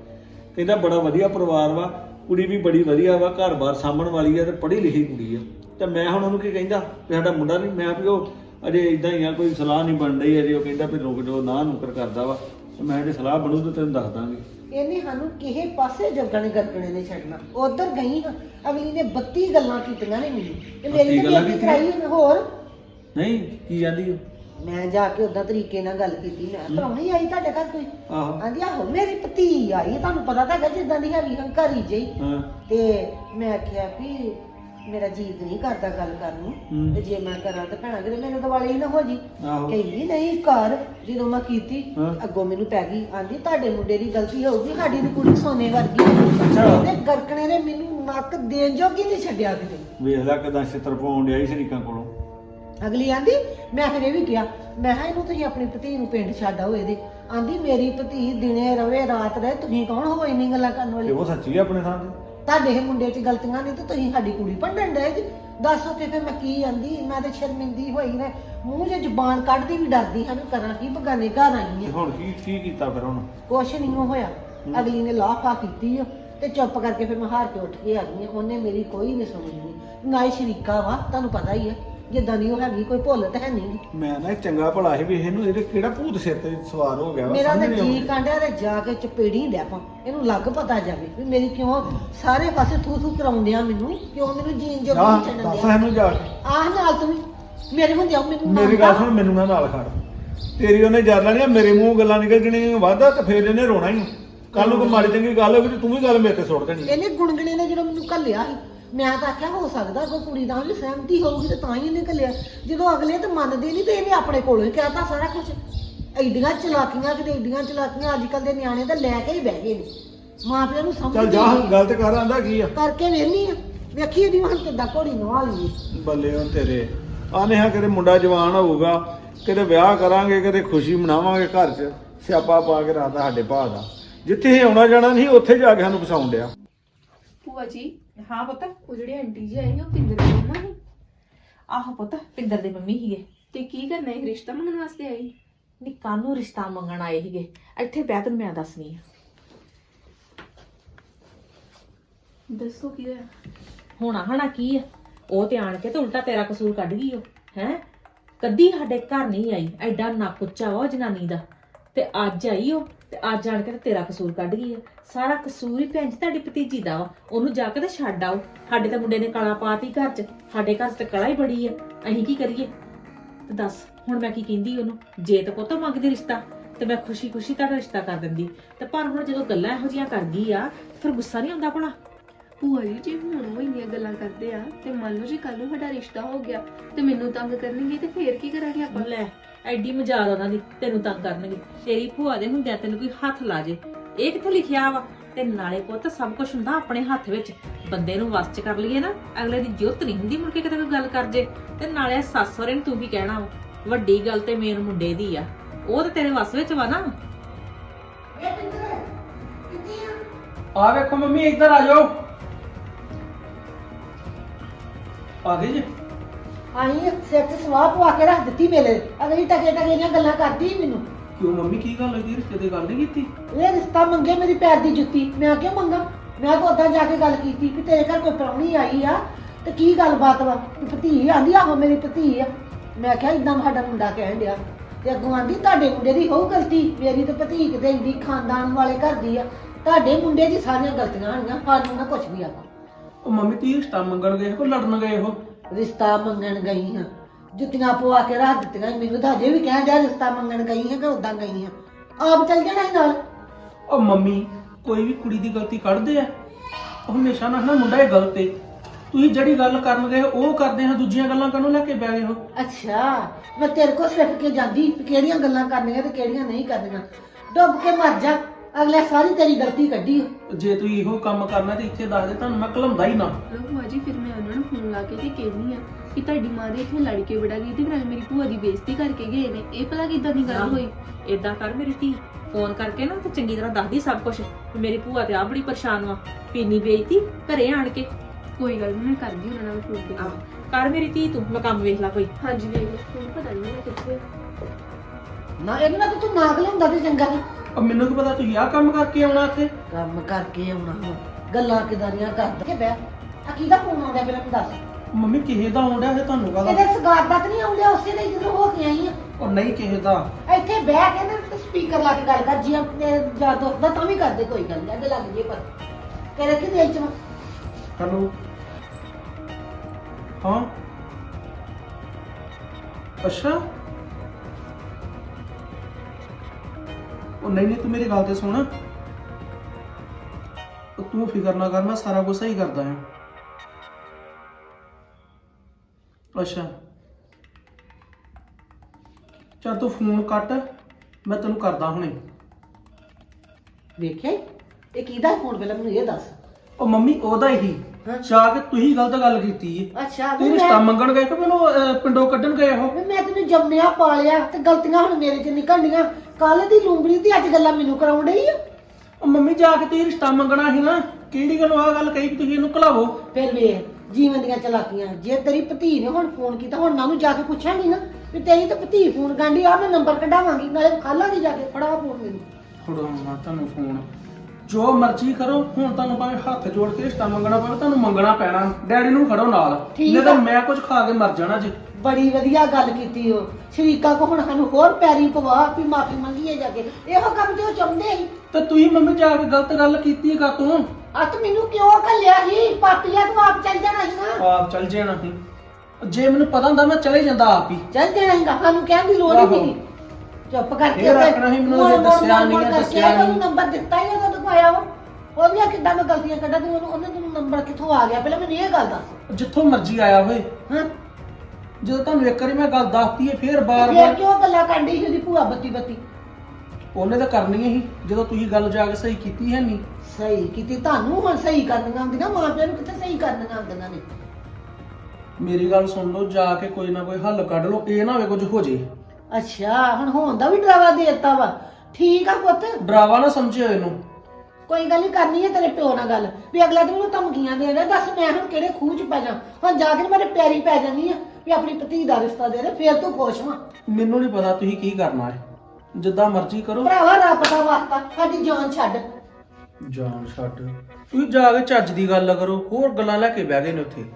Speaker 5: ਕਹਿੰਦਾ ਬੜਾ ਵਧੀਆ ਪਰਿਵਾਰ ਵਾ, ਕੁੜੀ ਵੀ ਬੜੀ ਵਧੀਆ ਵਾ, ਘਰ-ਬਾਰ ਸਾਂਭਣ ਵਾਲੀ ਆ ਤੇ ਪੜ੍ਹੀ ਲਿਖੀ ਕੁੜੀ ਆ। ਤੇ ਮੈਂ ਹੁਣ ਉਹਨੂੰ ਕੀ ਕਹਿੰਦਾ ਵੀ ਸਾਡਾ ਮੁੰਡਾ ਨਹੀਂ, ਮੈਂ ਵੀ ਉਹ ਅਜੇ ਇਦਾਂ ਹੀ ਆ, ਕੋਈ ਸਲਾਹ ਨਹੀਂ ਬਣ ਰਹੀ ਅਜੇ। ਉਹ ਕਹਿੰਦਾ ਵੀ ਰੁਕ ਜਾਓ, ਨਾ ਨੁਕਰ ਕਰਦਾ ਵਾ। ਤੇ ਮੈਂ ਜੇ ਸਲਾਹ ਬਣੂ ਤਾਂ ਤੈਨੂੰ ਦੱਸ ਦਾਂਗੇ।
Speaker 2: ਇਹਨੇ ਸਾਨੂੰ ਕਿਸੇ ਪਾਸੇ ਜੱਗਣੇ ਗਰਕਣੇ ਨਹੀਂ ਛੱਡਣਾ। ਉਧਰ ਗਈ ਹਾਂ, ਅਗਲੀ ਨੇ ਬੱਤੀ ਗੱਲਾਂ ਕੀਤੀਆਂ ਨੇ ਮੈਨੂੰ ਤੇ ਮੇਰੀ
Speaker 5: ਬੱਤੀ
Speaker 2: ਤੇ
Speaker 5: ਗੱਲਾਂ
Speaker 2: ਬੇਇੱਜ਼ਤੀ
Speaker 5: ਕੀਤੀਆਂ?
Speaker 2: ਕਰਾਈ ਉਹਨੇ। ਹੋਰ
Speaker 5: ਨਹੀਂ ਕੀ ਜਾਂਦੀ ਉਹ?
Speaker 2: ਮੈਂ ਜਾ ਕੇ ਉਦਾਂ ਤਰੀਕੇ ਨਾਲ ਗੱਲ ਕੀਤੀ। ਮੈਂ ਪ੍ਰਾਹੁਣੀ ਆਈ ਤੁਹਾਡੇ ਘਰ ਕੋਈ?
Speaker 5: ਆਹੋ।
Speaker 2: ਆਂਦੀ ਆਹੋ ਮੇਰੀ ਭਤੀ ਆਈ, ਤੁਹਾਨੂੰ ਪਤਾ ਤਾਂ ਹੈਗਾ ਜਿੱਦਾਂ ਦੀ ਹੈਗੀ ਹੰਕਾਰੀ ਜਿਹੀ।
Speaker 5: ਹਾਂ।
Speaker 2: ਤੇ ਮੈਂ ਕਿਹਾ ਵੀ ਮੇਰਾ ਜੀਤ ਨਹੀਂ ਕਰਦਾ ਗੱਲ ਕਰਨ ਨੂੰ,
Speaker 5: ਹੂੰ।
Speaker 2: ਤੇ ਜੇ ਮੈਂ ਕਰਾਂ ਤਾਂ ਭੈਣਾ ਕਿਤੇ ਮੈਨੂੰ ਦਿਵਾਲੀ ਹੀ ਨਾ ਹੋ ਜੀ।
Speaker 5: ਆਹੋ।
Speaker 2: ਕਹਿੰਦੀ ਨਹੀਂ ਘਰ ਜਦੋਂ ਮੈਂ ਕੀਤੀ
Speaker 5: ਹਾਂ।
Speaker 2: ਅੱਗੋਂ ਮੈਨੂੰ ਪੈ ਗਈ। ਆਂਦੀ ਤੁਹਾਡੇ ਮੁੰਡੇ ਦੀ ਗਲਤੀ ਹੋਊਗੀ, ਸਾਡੀ ਦੀ ਕੁੜੀ ਸੋਨੇ ਵਰਗੀ।
Speaker 5: ਅੱਛਾ।
Speaker 2: ਤੇ ਗਰਕਣੇ ਨੇ ਮੈਨੂੰ ਨੱਕ ਦੇਣ ਜੋਗੀ ਨਹੀਂ ਛੱਡਿਆ ਕਿਤੇ।
Speaker 5: ਵੇਖ ਲੈ ਕਿਦਾਂ ਛਿੱਤਰ ਪਾਉਣ ਡਿਆ ਸੀ ਸ਼ਰੀਕਾਂ ਕੋਲੋਂ।
Speaker 2: ਅਗਲੀ ਆਂਦੀ ਮੈਂ ਫਿਰ ਇਹ ਵੀ ਕਿਹਾ, ਮੈਂ ਕਿਹਾ ਇਹਨੂੰ ਤੁਸੀਂ ਆਪਣੀ ਭਤੀ ਨੂੰ ਪਿੰਡ ਛੱਡ ਆਓ ਇਹਦੇ। ਆਂਦੀ ਮੇਰੀ ਭਤੀ ਦਿਨੇ ਰਵੇ ਰਾਤ ਰਹੇ, ਤੁਸੀਂ ਕੌਣ ਹੋ ਇੰਨੀ ਗੱਲਾਂ ਕਰਨ
Speaker 5: ਤੇ
Speaker 2: ਵਾਲੀ?
Speaker 5: ਉਹ ਸੱਚੀ ਆ ਆਪਣੇ ਥਾਂ ਤੇ।
Speaker 2: ਤੁਹਾਡੇ ਇਹ ਮੁੰਡੇ 'ਚ ਗਲਤੀਆਂ ਨਹੀਂ ਤੇ ਤੁਸੀਂ ਸਾਡੀ ਕੁੜੀ ਭੰਡਣ ਡਏ ਜੀ। ਦੱਸੋ ਤੇ ਫਿਰ ਮੈਂ ਕੀ ਆਂਦੀ? ਮੈਂ ਤੇ ਸ਼ਰਮਿੰਦੀ ਹੋਈ ਨੇ, ਮੂੰਹ 'ਚ ਜ਼ੁਬਾਨ ਕੱਢਦੀ ਵੀ ਡਰਦੀ ਹਾਂ ਵੀ ਕਰਾਂ ਕੀ, ਬਗਾਨੇ ਘਰ ਆਈ
Speaker 5: ਤੇ
Speaker 2: ਹਾਂ।
Speaker 5: ਹੁਣ ਕੀ ਕੀ ਕੀਤਾ ਫਿਰ ਹੁਣ?
Speaker 2: ਕੁਛ ਨਹੀਂ ਹੋਇਆ। ਅਗਲੀ ਨੇ ਲਾਫਾ ਕੀਤੀ ਓ ਤੇ ਚੁੱਪ ਕਰਕੇ ਫਿਰ ਮੈਂ ਹਾਰ ਕੇ ਉੱਠ ਕੇ ਆ ਗਈ। ਉਹਨੇ ਮੇਰੀ ਕੋਈ ਨਹੀਂ ਸੁਣੀ। ਨਾ ਹੀ ਸ਼ਰੀਕਾ ਵਾ, ਤੁਹਾਨੂੰ ਪਤਾ ਹੀ ਆ ਜਿੱਦਾਂ ਦੀ ਉਹ ਹੈਗੀ, ਕੋਈ ਭੁੱਲ ਤਾਂ ਹੈ ਨਹੀਂ।
Speaker 5: ਮੈਂ ਨਾ ਚੰਗਾ ਭਲਾ ਸੀ ਵੀ ਇਹਨੂੰ ਇਹਦੇ ਕਿਹੜਾ ਭੂਤ ਸਿਰ ਤੇ ਸਵਾਰ ਹੋ ਗਿਆ ਵਾ,
Speaker 2: ਮੇਰਾ
Speaker 5: ਸਮਝ
Speaker 2: ਤਾਂ
Speaker 5: ਨਹੀਂ
Speaker 2: ਜੀ
Speaker 5: ਆਉਂਦੀ।
Speaker 2: ਕਾਂਡਿਆ ਤੇ ਜਾ ਕੇ ਚਪੇੜੀ ਲੈ ਪਾ, ਇਹਨੂੰ ਲੱਗ ਪਤਾ ਜਾਵੇ ਵੀ ਮੇਰੀ ਕਿਉਂ ਸਾਰੇ ਪਾਸੇ ਥੂ ਥੂ ਕਰਾਉਂਦਿਆ ਮੈਨੂੰ, ਕਿਉਂ ਮੈਨੂੰ ਜੀਣ ਜੋ
Speaker 5: ਜਾ
Speaker 2: ਨਹੀਂ ਛੱਡਣ
Speaker 5: ਦੱਸ
Speaker 2: ਦਿਆ।
Speaker 5: ਇਹਨੂੰ ਜਾ ਕੇ।
Speaker 2: ਆਹ ਨਾਲ ਤੂੰ ਵੀ ਮੇਰੇ ਹੁੰਦੇ ਆ ਮੈਨੂੰ
Speaker 5: ਮੇਰੀ ਗੱਲ ਸੁਣ, ਮੈਨੂੰ ਨਾ ਨਾਲ ਖੜ। ਤੇਰੀ ਉਹਨੇ ਜਰ ਲੈਣੀ ਆ, ਮੇਰੇ ਮੂੰਹ ਗੱਲਾਂ ਨਿਕਲ ਜਣੀਆਂ ਵਾਧਾ ਤੇ ਫੇਰ ਇਹਨੇ ਰੋਣਾ ਹੀ। ਕੱਲ ਨੂੰ ਕੋਈ ਮਾੜੀ ਚੰਗੀ ਗੱਲ ਹੋਵੇ ਤੇ ਤੂੰ ਵੀ ਗੱਲ ਮੇਰੇ ਤੇ ਸੁੱਟ ਦੇਣੀ।
Speaker 2: ਇਹਨੇ ਗੁਣਗਣੇ ਨੇ ਜਦੋਂ ਮੈਨੂੰ ਘੱਲਿਆ ਸੀ, ਮੈਂ ਤਾਂ ਆਖਿਆ ਹੋ ਸਕਦਾ ਕੋਈ ਕੁੜੀ ਨਾਲ ਵੀ ਸਹਿਮਤੀ ਹੋਊਗੀ ਤੇ ਤਾਂ ਹੀ ਇਹਨੇ ਘੱਲਿਆ। ਜਦੋਂ ਅਗਲੇ ਤਾਂ ਮੰਨਦੇ ਨਹੀਂ ਤੇ ਇਹਨੇ ਆਪਣੇ ਕੋਲੋਂ ਹੀ ਕਹਿਤਾ ਸਾਰਾ ਕੁਝ। ਐਡੀਆਂ ਚਲਾਕੀਆਂ ਕਿਤੇ ਐਡੀਆਂ ਚਲਾਕੀਆਂ ਅੱਜ ਕੱਲ ਦੇ ਨਿਆਣੇ ਤਾਂ ਲੈ ਕੇ ਹੀ ਬਹਿ ਗਏ ਨੇ। ਮਾਂ ਪਿਓ ਨੂੰ ਸਮਝ
Speaker 5: ਚੱਲ ਜਾ ਗੱਲ ਤੇ ਕਰ, ਆਂਦਾ ਕੀ ਆ?
Speaker 2: ਕਰਕੇ ਵੇਹਨੀ ਆ, ਵੇਖੀ ਇਹਦੀ ਹੁਣ ਕਿੱਦਾਂ ਘੋੜੀ ਨਵਾ ਲਈਏ।
Speaker 5: ਬੱਲੇ ਉਹ ਤੇਰੇ ਆਨੇ ਹਾਂ, ਕਿਤੇ ਮੁੰਡਾ ਜਵਾਨ ਹੋਊਗਾ, ਕਿਤੇ ਵਿਆਹ ਕਰਾਂਗੇ, ਕਿਤੇ ਖੁਸ਼ੀ ਮਨਾਵਾਂਗੇ ਘਰ 'ਚ, ਸਿਆਪਾ ਪਾ ਕੇ ਰਾਤਾ ਸਾਡੇ ਭਾ ਦਾ। ਜਿੱਥੇ ਇਹ ਆਉਣਾ ਜਾਣਾ ਨਹੀਂ ਉੱਥੇ ਜਾ ਕੇ ਸਾਨੂੰ ਫਸਾਉਣ ਡਿਆ।
Speaker 1: ਭੂਆ ਜੀ,
Speaker 3: ਹਾਂ ਪੁੱਤ।
Speaker 1: ਉਹ ਜਿਹੜੇ ਆਂਟੀ ਜੀ ਆਏ ਸੀ, ਉਹ ਪਿੰਦਰ ਦੀ ਮੰਮਾ ਸੀ?
Speaker 3: ਆਹੋ ਪੁੱਤ, ਪਿੰਦਰ ਦੇ ਮੰਮੀ ਸੀਗੇ।
Speaker 1: ਤੇ ਕੀ ਕਰਨਾ ਹੈ, ਰਿਸ਼ਤਾ ਮੰਗਣ ਵਾਸਤੇ ਆਏ?
Speaker 3: ਨੀ ਕਾਹਨੂੰ ਰਿਸ਼ਤਾ ਮੰਗਣ ਆਏ ਸੀਗੇ? ਇੱਥੇ ਬਹਿ ਤੈਨੂੰ ਮੈਂ ਦੱਸਣੀ ਆ।
Speaker 1: ਦੱਸੋ ਕੀ ਹੋਇਆ?
Speaker 3: ਹੋਣਾ ਹਣਾ ਕੀ ਆ? ਉਹ ਤੇ ਆਣ ਕੇ ਤੇ ਉਲਟਾ ਤੇਰਾ ਕਸੂਰ ਕੱਢ ਗਈ ਉਹ। ਹੈ ਕਦੀ ਸਾਡੇ ਘਰ ਨਹੀਂ ਆਈ, ਐਡਾ ਨੱਕ ਉੱਚਾ ਵਾ ਉਹ ਜਨਾਨੀ ਦਾ। ਤੇ ਅੱਜ ਆਈ ਉਹ, ਤੇ ਅੱਜ ਆਣ ਕੇ ਤੇ ਤੇਰਾ ਕਸੂਰ ਕੱਢ ਗਈ ਆ। ਸਾਰਾ ਕਸੂਰ ਹੀ ਭੈਣ ਜੀ ਤੁਹਾਡੀ ਭਤੀਜੀ ਦਾ ਵਾ। ਉਹਨੂੰ ਜਾ ਕੇ ਤੇ ਛੱਡ ਆਓ। ਸਾਡੇ ਤਾਂ ਮੁੰਡੇ ਨੇ ਕਲਾ ਪਾਤੀ ਘਰ 'ਚ, ਸਾਡੇ ਘਰ 'ਚ ਤੇ ਕਲਾ ਹੀ ਬੜੀ ਆ। ਅਸੀਂ ਕੀ ਕਰੀਏ? ਤੇ ਦੱਸ ਹੁਣ ਮੈਂ ਕੀ ਕਹਿੰਦੀ ਉਹਨੂੰ? ਜੇ ਤੇ ਪੁੱਤ ਮੰਗਦੀ ਰਿਸ਼ਤਾ ਤੇ ਮੈਂ ਖੁਸ਼ੀ ਖੁਸ਼ੀ ਤੁਹਾਡਾ ਰਿਸ਼ਤਾ ਕਰ ਦਿੰਦੀ, ਤੇ ਪਰ ਹੁਣ ਜਦੋਂ ਗੱਲਾਂ ਇਹੋ ਜਿਹੀਆਂ ਕਰ ਗਈ ਆ ਫਿਰ ਗੁੱਸਾ ਨਹੀਂ ਆਉਂਦਾ ਭਲਾ?
Speaker 1: ਭੂਆ ਜੀ, ਜੇ ਹੁਣ ਉਹ ਇੰਨੀਆਂ ਗੱਲਾਂ ਕਰਦੇ ਆ ਤੇ ਮੰਨ ਲਓ ਜੇ ਕੱਲ ਨੂੰ ਸਾਡਾ ਰਿਸ਼ਤਾ ਹੋ ਗਿਆ ਤੇ ਮੈਨੂੰ ਤੰਗ ਕਰਨਗੇ ਤੇ ਫੇਰ ਕੀ ਕਰਾਂਗੇ ਆਪਾਂ?
Speaker 3: ਲੈ ਐਡੀ ਮਜ਼ਾਕ ਉਹਨਾਂ ਦੀ, ਤੈਨੂੰ ਤੰਗ ਕਰਨਗੇ। ਤੇਰੀ ਭੂਆ ਦੇ ਹੁੰਦਿਆਂ ਤੈਨੂੰ ਕੋਈ ਹੱਥ ਲਾ ਜੇ, ਇਹ ਕਿੱਥੇ ਲਿਖਿਆ ਵਾ? ਤੇ ਨਾਲੇ ਪੁੱਤ ਸਭ ਕੁਝ ਹੁੰਦਾ ਆਪਣੇ ਹੱਥ ਵਿੱਚ। ਬੰਦੇ ਨੂੰ ਵਸ 'ਚ ਕਰ ਲਈਏ ਨਾ, ਅਗਲੇ ਦੀ ਜੁਰਤ ਨਹੀਂ ਹੁੰਦੀ ਮੁੜ ਕੇ ਕਿਤੇ ਕੋਈ ਗੱਲ ਕਰ ਜੇ। ਤੇ ਨਾਲੇ ਸੱਸ ਸਹੁਰੇ ਨੂੰ ਤੂੰ ਵੀ ਕਹਿਣਾ ਵਾ, ਵੱਡੀ ਗੱਲ ਤੇ ਮੇਨ ਮੁੰਡੇ ਦੀ ਆ, ਉਹ ਤੇ ਤੇਰੇ ਵਸ ਵਿੱਚ ਵਾ ਨਾ।
Speaker 2: ਇਹ ਪਿੰਦਰ ਕਿੱਥੇ ਆ?
Speaker 6: ਆ ਵੇਖੋ ਮੰਮੀ, ਇੱਧਰ ਆ ਜਾਓ। ਆ ਗਏ ਜੀ?
Speaker 2: ਆਈ ਸਿਰ 'ਚ ਸਵਾਹ ਪਵਾ ਕੇ ਰੱਖ ਦਿੱਤੀ ਮੇਰੇ। ਅਗਲੀ ਟਕੇ ਟਕੇ ਦੀਆਂ ਗੱਲਾਂ ਕਰਦੀ ਸੀ ਮੈਨੂੰ।
Speaker 6: ਕਿਉਂ ਮੰਮੀ, ਕੀ ਗੱਲ ਹੋਈ? ਰਿਸ਼ਤੇ ਦੀ ਗੱਲ ਨਹੀਂ ਕੀਤੀ?
Speaker 2: ਇਹ ਰਿਸ਼ਤਾ ਮੰਗੇ ਮੇਰੀ ਪੈਰ ਦੀ ਜੁੱਤੀ। ਮੈਂ ਕਿਉਂ ਮੰਗਾ? ਮੈਂ ਤਾਂ ਉਦਾਂ ਜਾ ਕੇ ਗੱਲ ਕੀਤੀ ਕਿ ਤੇਰੇ ਘਰ ਕੋਈ ਪ੍ਰਾਹੁਣੀ ਆਈ ਆ ਤੇ ਕੀ ਗੱਲਬਾਤ ਵਾ? ਭਤੀ ਆਂਦੀ ਆਹੋ ਮੇਰੀ ਭਤੀ ਆ। ਮੈਂ ਕਿਹਾ ਇਦਾਂ ਸਾਡਾ ਮੁੰਡਾ ਕਹਿਣ ਡਿਆ, ਤੇ ਅੱਗੋਂ ਆਂਦੀ ਤੁਹਾਡੇ ਮੁੰਡੇ ਦੀ ਹੋਊ ਗਲਤੀ, ਮੇਰੀ ਤਾਂ ਭਤੀ ਕਿਤੇ ਇੰਨੀ ਖਾਨਦਾਨ ਵਾਲੇ ਘਰ ਦੀ ਆ। ਤੁਹਾਡੇ ਮੁੰਡੇ ਦੀ ਸਾਰੀਆਂ ਗਲਤੀਆਂ ਹੋਣੀਆਂ, ਸਾਨੂੰ ਨਾ ਕੁਝ ਵੀ ਆਖੋ।
Speaker 6: ਉਹ ਮੰਮੀ ਤੀ ਰਿਸ਼ਤਾ ਮੰਗਣ ਗਏ ਕੋ ਲੜਨ ਗਏ ਹੋ?
Speaker 2: ਰਿਸ਼ਤਾ ਮੰਗਣ ਗਈ ਹਾਂ, ਜੁੱਤੀਆਂ ਪਵਾ ਕੇ ਰੱਖ ਦਿੱਤੀਆਂ। ਮੈਨੂੰ ਤਾਂ ਅਜੇ ਵੀ ਕਹਿਣ ਡਿਆ ਰਿਸ਼ਤਾ ਮੰਗਣ ਗਈ ਹਾਂ ਕਿ ਉਦਾਂ ਗਈ ਹਾਂ। ਆਪ ਚੱਲ ਜਾਣਾ ਸੀ ਨਾਲ।
Speaker 6: ਉਹ ਮੰਮੀ, ਕੋਈ ਵੀ ਕੁੜੀ ਦੀ ਗਲਤੀ ਕੱਢਦੇ ਆ? ਉਹ ਹਮੇਸ਼ਾ ਨਾ ਨਾ ਮੁੰਡਾ ਇਹ ਗਲਤ ਏ। ਤੁਸੀਂ ਜਿਹੜੀ ਗੱਲ ਕਰਨ ਗਏ ਉਹ ਕਰਦੇ ਆ, ਦੂਜੀਆਂ ਗੱਲਾਂ ਕਾਹਨੂੰ ਲੈ ਕੇ ਬਹਿ ਗਏ ਹੋ?
Speaker 2: ਅੱਛਾ, ਮੈਂ ਤੇਰੇ ਕੋਲ ਸਿੱਖ ਕੇ ਜਾਂਦੀ ਵੀ ਕਿਹੜੀਆਂ ਗੱਲਾਂ ਕਰਨੀਆਂ ਤੇ ਕਿਹੜੀਆਂ ਨਹੀਂ ਕਰਨੀਆਂ। ਡੁੱਬ ਕੇ ਮਰ ਜਾ, ਅਗਲੇ ਸਾਰੀ ਤੇਰੀ ਗਲਤੀ ਕੱਢੀ।
Speaker 6: ਜੇ ਤੁਸੀਂ ਇਹੋ ਕੰਮ ਕਰਨਾ ਤੇ ਇੱਥੇ ਦੱਸ ਦੇ, ਤੁਹਾਨੂੰ ਮੈਂ ਘਲਾਉਂਦਾ ਹੀ ਨਾ।
Speaker 1: ਲੋ ਭੂਆ ਜੀ, ਫਿਰ ਮੈਂ ਉਹਨਾਂ ਨੂੰ ਫੋਨ ਲਾ ਕੇ ਤੇ ਕਹਿੰਦੀ ਆ ਕਿ ਤੁਹਾਡੀ ਮਾਂ ਦੇ ਇੱਥੇ ਲੜ ਕੇ ਬੜਾ ਗਈ ਤੇ ਨਾਲ ਮੇਰੀ ਭੂਆ ਦੀ ਬੇਇੱਜ਼ਤੀ ਕਰਕੇ ਗਏ ਨੇ। ਇਹ ਭਲਾ ਕਿੱਦਾਂ ਦੀ ਗੱਲ ਹੋਈ?
Speaker 3: ਏਦਾਂ ਕਰ ਮੇਰੀ ਧੀ, ਫੋਨ ਕਰਕੇ ਨਾ ਤੇ ਚੰਗੀ ਤਰ੍ਹਾਂ ਦੱਸਦੀ ਸਭ ਕੁਝ। ਮੇਰੀ ਭੂਆ ਤੇ ਆ ਬੜੀ ਪਰੇਸ਼ਾਨ ਵਾ, ਪੀਨੀ ਬੇਇੱਜ਼ਤੀ ਘਰੇ ਆਣ ਕੇ।
Speaker 1: ਕੋਈ ਗੱਲ ਨਹੀਂ, ਮੈਂ ਕਰਦੀ ਉਹਨਾਂ ਨਾਲ ਫੋਨ ਤੇ ਗੱਲ।
Speaker 3: ਕਰ ਮੇਰੀ ਧੀ, ਤੂੰ ਮੈਂ ਕੰਮ ਵੇਖ ਲਾ ਕੋਈ।
Speaker 1: ਹਾਂਜੀ ਵੇਖ ਲਓ, ਫੋਨ ਪਤਾ ਨਹੀਂ ਮੈਂ ਕਿੱਥੇ।
Speaker 2: ਨਾ ਇਹਨੂੰ ਨਾ ਤੂੰ ਨਾਗ ਲਿਆਉਂਦਾ ਤੇ ਚੰਗਾ ਸੀ।
Speaker 6: ਉਹ ਮੈਨੂੰ ਕੀ ਪਤਾ ਤੁਸੀਂ ਆਹ ਕੰਮ ਕਰਕੇ ਆਉਣਾ ਇੱਥੇ।
Speaker 2: ਕੰਮ ਕਰਕੇ ਆਉਣਾ ਹੁਣ ਗੱਲਾਂ ਕਿਦਾਂ ਦੀਆਂ ਕਰਦਾ ਕਿ ਬੈ ਆ ਕਿਹਦਾ ਫੋਨ ਆਉਂਦਾ ਪਹਿਲਾਂ ਮੈਨੂੰ ਦੱਸ।
Speaker 6: ਮੰਮੀ ਕਿਸੇ ਦਾ ਆਉਂਦਾ ਹੈ ਤੁਹਾਨੂੰ ਕਾਹਦਾ?
Speaker 2: ਇਹਦੇ ਸਗਾਤ ਦਾ ਤਾਂ ਨਹੀਂ ਆਉਂਦਾ, ਉਸੇ ਦੇ ਜਦੋਂ ਹੋ ਕੇ ਆਈ ਆ।
Speaker 6: ਉਹ ਨਹੀਂ ਕਿਸੇ ਦਾ।
Speaker 2: ਇੱਥੇ ਬਹਿ ਕੇ ਨਾ ਸਪੀਕਰ ਲਾ ਕੇ ਗੱਲ ਕਰ, ਜੀ ਆਪਣੇ ਜਾ ਦੋਸਤ ਦਾ ਤਾਂ ਵੀ ਕਰਦੇ, ਕੋਈ ਗੱਲ ਨਹੀਂ, ਅੱਗੇ ਲੱਗ ਜੇ ਪਰ ਤੇਰੇ ਕੀ ਦਿਲ ਚ ਵਾ?
Speaker 6: ਹੈਲੋ ਹਾਂ ਅੱਛਾ ਉਹ ਨਹੀਂ ਨਹੀਂ ਤੂੰ ਮੇਰੀ ਗੱਲ ਤੇ ਸੁਣ। ਉਹ ਤੂੰ ਫਿਕਰ ਨਾ ਕਰ, ਮੈਂ ਸਾਰਾ ਕੁਝ ਸਹੀ ਕਰਦਾ ਹਾਂ। ਅੱਛਾ ਚੱਲ ਤੂੰ ਫੋਨ ਕੱਟ, ਮੈਂ ਤੈਨੂੰ ਕਰਦਾ ਹੁਣੇ।
Speaker 2: ਵੇਖਿਆ ਈ? ਇਹ ਕਿਹਦਾ ਫੋਨ ਪਹਿਲਾਂ ਮੈਨੂੰ ਇਹ ਦੱਸ।
Speaker 6: ਉਹ ਮੰਮੀ ਉਹਦਾ ਹੀ
Speaker 2: ਹਾਂ।
Speaker 6: ਜਾ ਕੇ ਤੁਸੀਂ ਗਲਤ ਗੱਲ ਕੀਤੀ ਏ।
Speaker 2: ਅੱਛਾ
Speaker 6: ਤੂੰ
Speaker 2: ਵੀ
Speaker 6: ਰਿਸ਼ਤਾ
Speaker 2: ਮੈਂ
Speaker 6: ਮੰਗਣ ਗਏ ਕਿ ਮੈਨੂੰ ਅਹ, ਪਿੰਡੋਂ ਕੱਢਣ ਗਏ ਹੋ?
Speaker 2: ਵੀ ਮੈਂ ਤੈਨੂੰ ਜੰਮਿਆ ਪਾਲਿਆ ਤੇ ਗਲਤੀਆਂ ਹੁਣ ਮੇਰੇ ਚ ਨਿਕਲਣੀਆਂ। ਕੱਲ ਦੀ ਲੂੰਬੜੀ ਤੇ ਅੱਜ ਗੱਲਾਂ ਮੈਨੂੰ ਕਰਾਉਣ ਡਈ ਆ।
Speaker 6: ਉਹ ਮੰਮੀ ਜਾ ਕੇ ਤੁਸੀਂ ਰਿਸ਼ਤਾ ਮੰਗਣਾ ਸੀ ਨਾ, ਕਿਹੜੀ ਗੱਲੋਂ ਆਹ ਗੱਲ ਕਹੀ ਵੀ ਤੁਸੀਂ ਇਹਨੂੰ ਘਲਾਵੋ?
Speaker 2: ਫਿਰ ਵੇਖ ਜੀਵਨ ਦੀਆਂ ਚਲਾਕੀਆਂ। ਜੇ ਤੇਰੀ ਭਤੀ ਨੇ ਹੁਣ ਫੋਨ ਕੀਤਾ, ਹੁਣ ਮੈਂ ਉਹਨੂੰ ਜਾ ਕੇ ਪੁੱਛਾਂਗੀ ਨਾ ਵੀ ਤੇਰੀ ਤਾਂ ਭਤੀ ਫੋਨ ਗਾਂਢੀ ਆ, ਮੈਂ ਨੰਬਰ ਕਢਾਵਾਂਗੀ, ਨਾਲੇ ਖਾਲਾਂਗੀ ਜਾ ਕੇ। ਫੜਾ ਫੋਨ ਮੈਨੂੰ।
Speaker 6: ਫੜਾਉਣਾ ਤੁਹਾਨੂੰ ਫੋਨ, ਜੋ ਮਰਜ਼ੀ ਕਰੋ। ਹੁਣ ਤੁਹਾਨੂੰ ਭਾਵੇਂ ਹੱਥ ਜੋੜ ਕੇ ਰਿਸ਼ਤਾ ਮੰਗਣਾ ਪਵੇ, ਤੁਹਾਨੂੰ ਮੰਗਣਾ ਪੈਣਾ। ਡੈਡੀ ਨੂੰ ਖੜੋ ਨਾਲ,
Speaker 2: ਠੀਕ
Speaker 6: ਨਹੀਂ ਤਾਂ
Speaker 2: ਆ।
Speaker 6: ਮੈਂ ਕੁਝ ਖਾ ਕੇ ਮਰ ਜਾਣਾ ਜੀ।
Speaker 2: ਬੜੀ ਵਧੀਆ ਗੱਲ ਕੀਤੀ ਉਹ ਸ਼ਰੀਕਾ ਕੋ। ਹੁਣ ਸਾਨੂੰ ਹੋਰ ਪੈਰੀ ਪਵਾ ਵੀ ਮਾਫੀ ਮੰਗੀਏ ਜਾ ਕੇ। ਇਹੋ ਕੰਮ ਤੇ ਉਹ ਚਾਹੁੰਦੇ ਸੀ।
Speaker 6: ਤੇ ਤੁਸੀਂ ਮੰਮੀ ਜਾ ਕੇ ਗਲਤ ਗੱਲ ਕੀਤੀ ਕਾ ਤੂੰ?
Speaker 2: ਆ ਤੂੰ ਮੈਨੂੰ ਕਿਉਂ ਘੱਲਿਆ ਸੀ? ਪਾਪੀਆ ਤੂੰ ਆਪ ਚੱਲ ਜਾਣਾ ਸੀ ਨਾ।
Speaker 6: ਆਪ ਚੱਲ ਜਾਣਾ ਸੀ। ਜੇ ਮੈਨੂੰ ਪਤਾ ਹੁੰਦਾ ਮੈਂ ਚਲੇ ਜਾਂਦਾ ਆਪ ਹੀ।
Speaker 2: ਚੱਲ ਜਾਣਾ ਸੀਗਾ, ਸਾਨੂੰ ਕਹਿਣ ਦੀ ਲੋੜ ਹੀ
Speaker 6: ਆਹੋ।
Speaker 2: ਨਹੀਂ। ਚੁੱਪ ਕਰਕੇ
Speaker 6: ਇਹ ਰੱਖਣਾ ਸੀ ਮੈਨੂੰ, ਜੇ ਦੱਸਿਆ ਨਹੀਂ ਆ, ਦੱਸਿਆ ਨਹੀਂ।
Speaker 2: ਨੰਬਰ ਦਿੱਤਾ ਹੀ ਉਹਦਾ ਦਿਖਾਇਆ ਵਾ। ਉਹਦੀਆਂ ਕਿੱਦਾਂ ਮੈਂ ਗਲਤੀਆਂ ਕੱਢਾਂ ਤੇ ਉਹਨੂੰ ਉਹਨੇ ਤੈਨੂੰ ਨੰਬਰ ਕਿੱਥੋਂ ਆ ਗਿਆ? ਪਹਿਲਾਂ ਮੈਨੂੰ ਇਹ ਗੱਲ ਦੱਸ।
Speaker 6: ਜਿੱਥੋਂ ਮਰਜ਼ੀ ਆਇਆ ਹੋਏ।
Speaker 2: ਹਾਂ
Speaker 6: ਜਦੋਂ ਤੁਹਾਨੂੰ ਇੱਕ ਵਾਰੀ ਮੈਂ ਗੱਲ ਦੱਸਤੀ ਹੈ, ਫੇਰ
Speaker 2: ਫੇਰ
Speaker 6: ਬਾਰ-ਬਾਰ
Speaker 2: ਕਿਉਂ ਗੱਲਾਂ ਕਾਂਢੀ ਸੀ ਉਹਦੀ ਭੂਆ ਬੱਤੀ ਬੱਤੀ?
Speaker 6: ਉਹਨੇ ਤਾਂ ਕਰਨੀ ਹੀ ਜਦੋਂ ਤੁਸੀਂ ਗੱਲ ਜਾ ਕੇ ਸਹੀ ਕੀਤੀ ਹੈ ਨਹੀਂ।
Speaker 2: ਸਹੀ ਕੀਤੀ ਤੁਹਾਨੂੰ ਹੁਣ ਸਹੀ ਕਰਨੀਆਂ ਹੁੰਦੀਆਂ, ਮਾਂ ਪਿਓ ਨੂੰ ਕਿੱਥੇ ਸਹੀ ਕਰਨੀਆਂ ਹੁੰਦੀਆਂ ਨੇ।
Speaker 6: ਮੇਰੀ ਗੱਲ ਸੁਣ ਲਓ, ਜਾ ਕੇ ਕੋਈ ਨਾ ਕੋਈ ਹੱਲ ਕੱਢ ਲਓ, ਇਹ ਨਾ ਹੋਵੇ ਕੁਝ ਹੋ ਜੇ।
Speaker 2: ਅੱਛਾ ਹੁਣ ਹੋਣ ਦਾ ਵੀ ਡਰਾਵਾ ਦੇ ਦਿੱਤਾ ਵਾ। ਠੀਕ ਆ ਪੁੱਤ,
Speaker 6: ਡਰਾਵਾ ਨਾ ਸਮਝਿਓ ਇਹਨੂੰ।
Speaker 2: ਕੋਈ ਗੱਲ ਨਹੀਂ ਕਰਨੀ ਹੈ ਤੇਰੇ ਪਿਓ ਨਾਲ ਗੱਲ ਵੀ ਅਗਲਾ ਤੇ ਮੈਨੂੰ ਧਮਕੀਆਂ ਦੇ ਰਿਹਾ। ਦੱਸ ਮੈਂ ਹੁਣ ਕਿਹੜੇ ਖੂਹ ਚ ਪੈ ਜਾ? ਹੁਣ ਜਾ ਕੇ ਮੇਰੇ ਪੈਰੀ ਪੈ ਜਾਂਦੀ ਆ ਵੀ ਆਪਣੀ ਭਤੀ ਦਾ ਰਿਸ਼ਤਾ ਦੇ ਦੇ, ਫੇਰ ਤੂੰ ਖੁਸ਼ ਵਾਂ।
Speaker 6: ਮੈਨੂੰ ਨਹੀਂ ਪਤਾ ਤੁਸੀਂ ਕੀ ਕਰਨਾ ਹੈ, ਜਿੱਦਾਂ ਮਰਜ਼ੀ ਕਰੋ।
Speaker 2: ਭਰਾਵਾ ਰੱਬ ਦਾ ਵਾਸਤਾ ਸਾਡੀ ਜਾਨ ਛੱਡ।
Speaker 6: ਜਾਨ ਛੱਡ, ਤੁਸੀਂ ਜਾ ਕੇ ਚੱਜ ਦੀ ਗੱਲ ਕਰੋ। ਹੋਰ ਗੱਲਾਂ ਲੈ ਕੇ ਬਹਿ ਗਏ ਨੇ ਉੱਥੇ।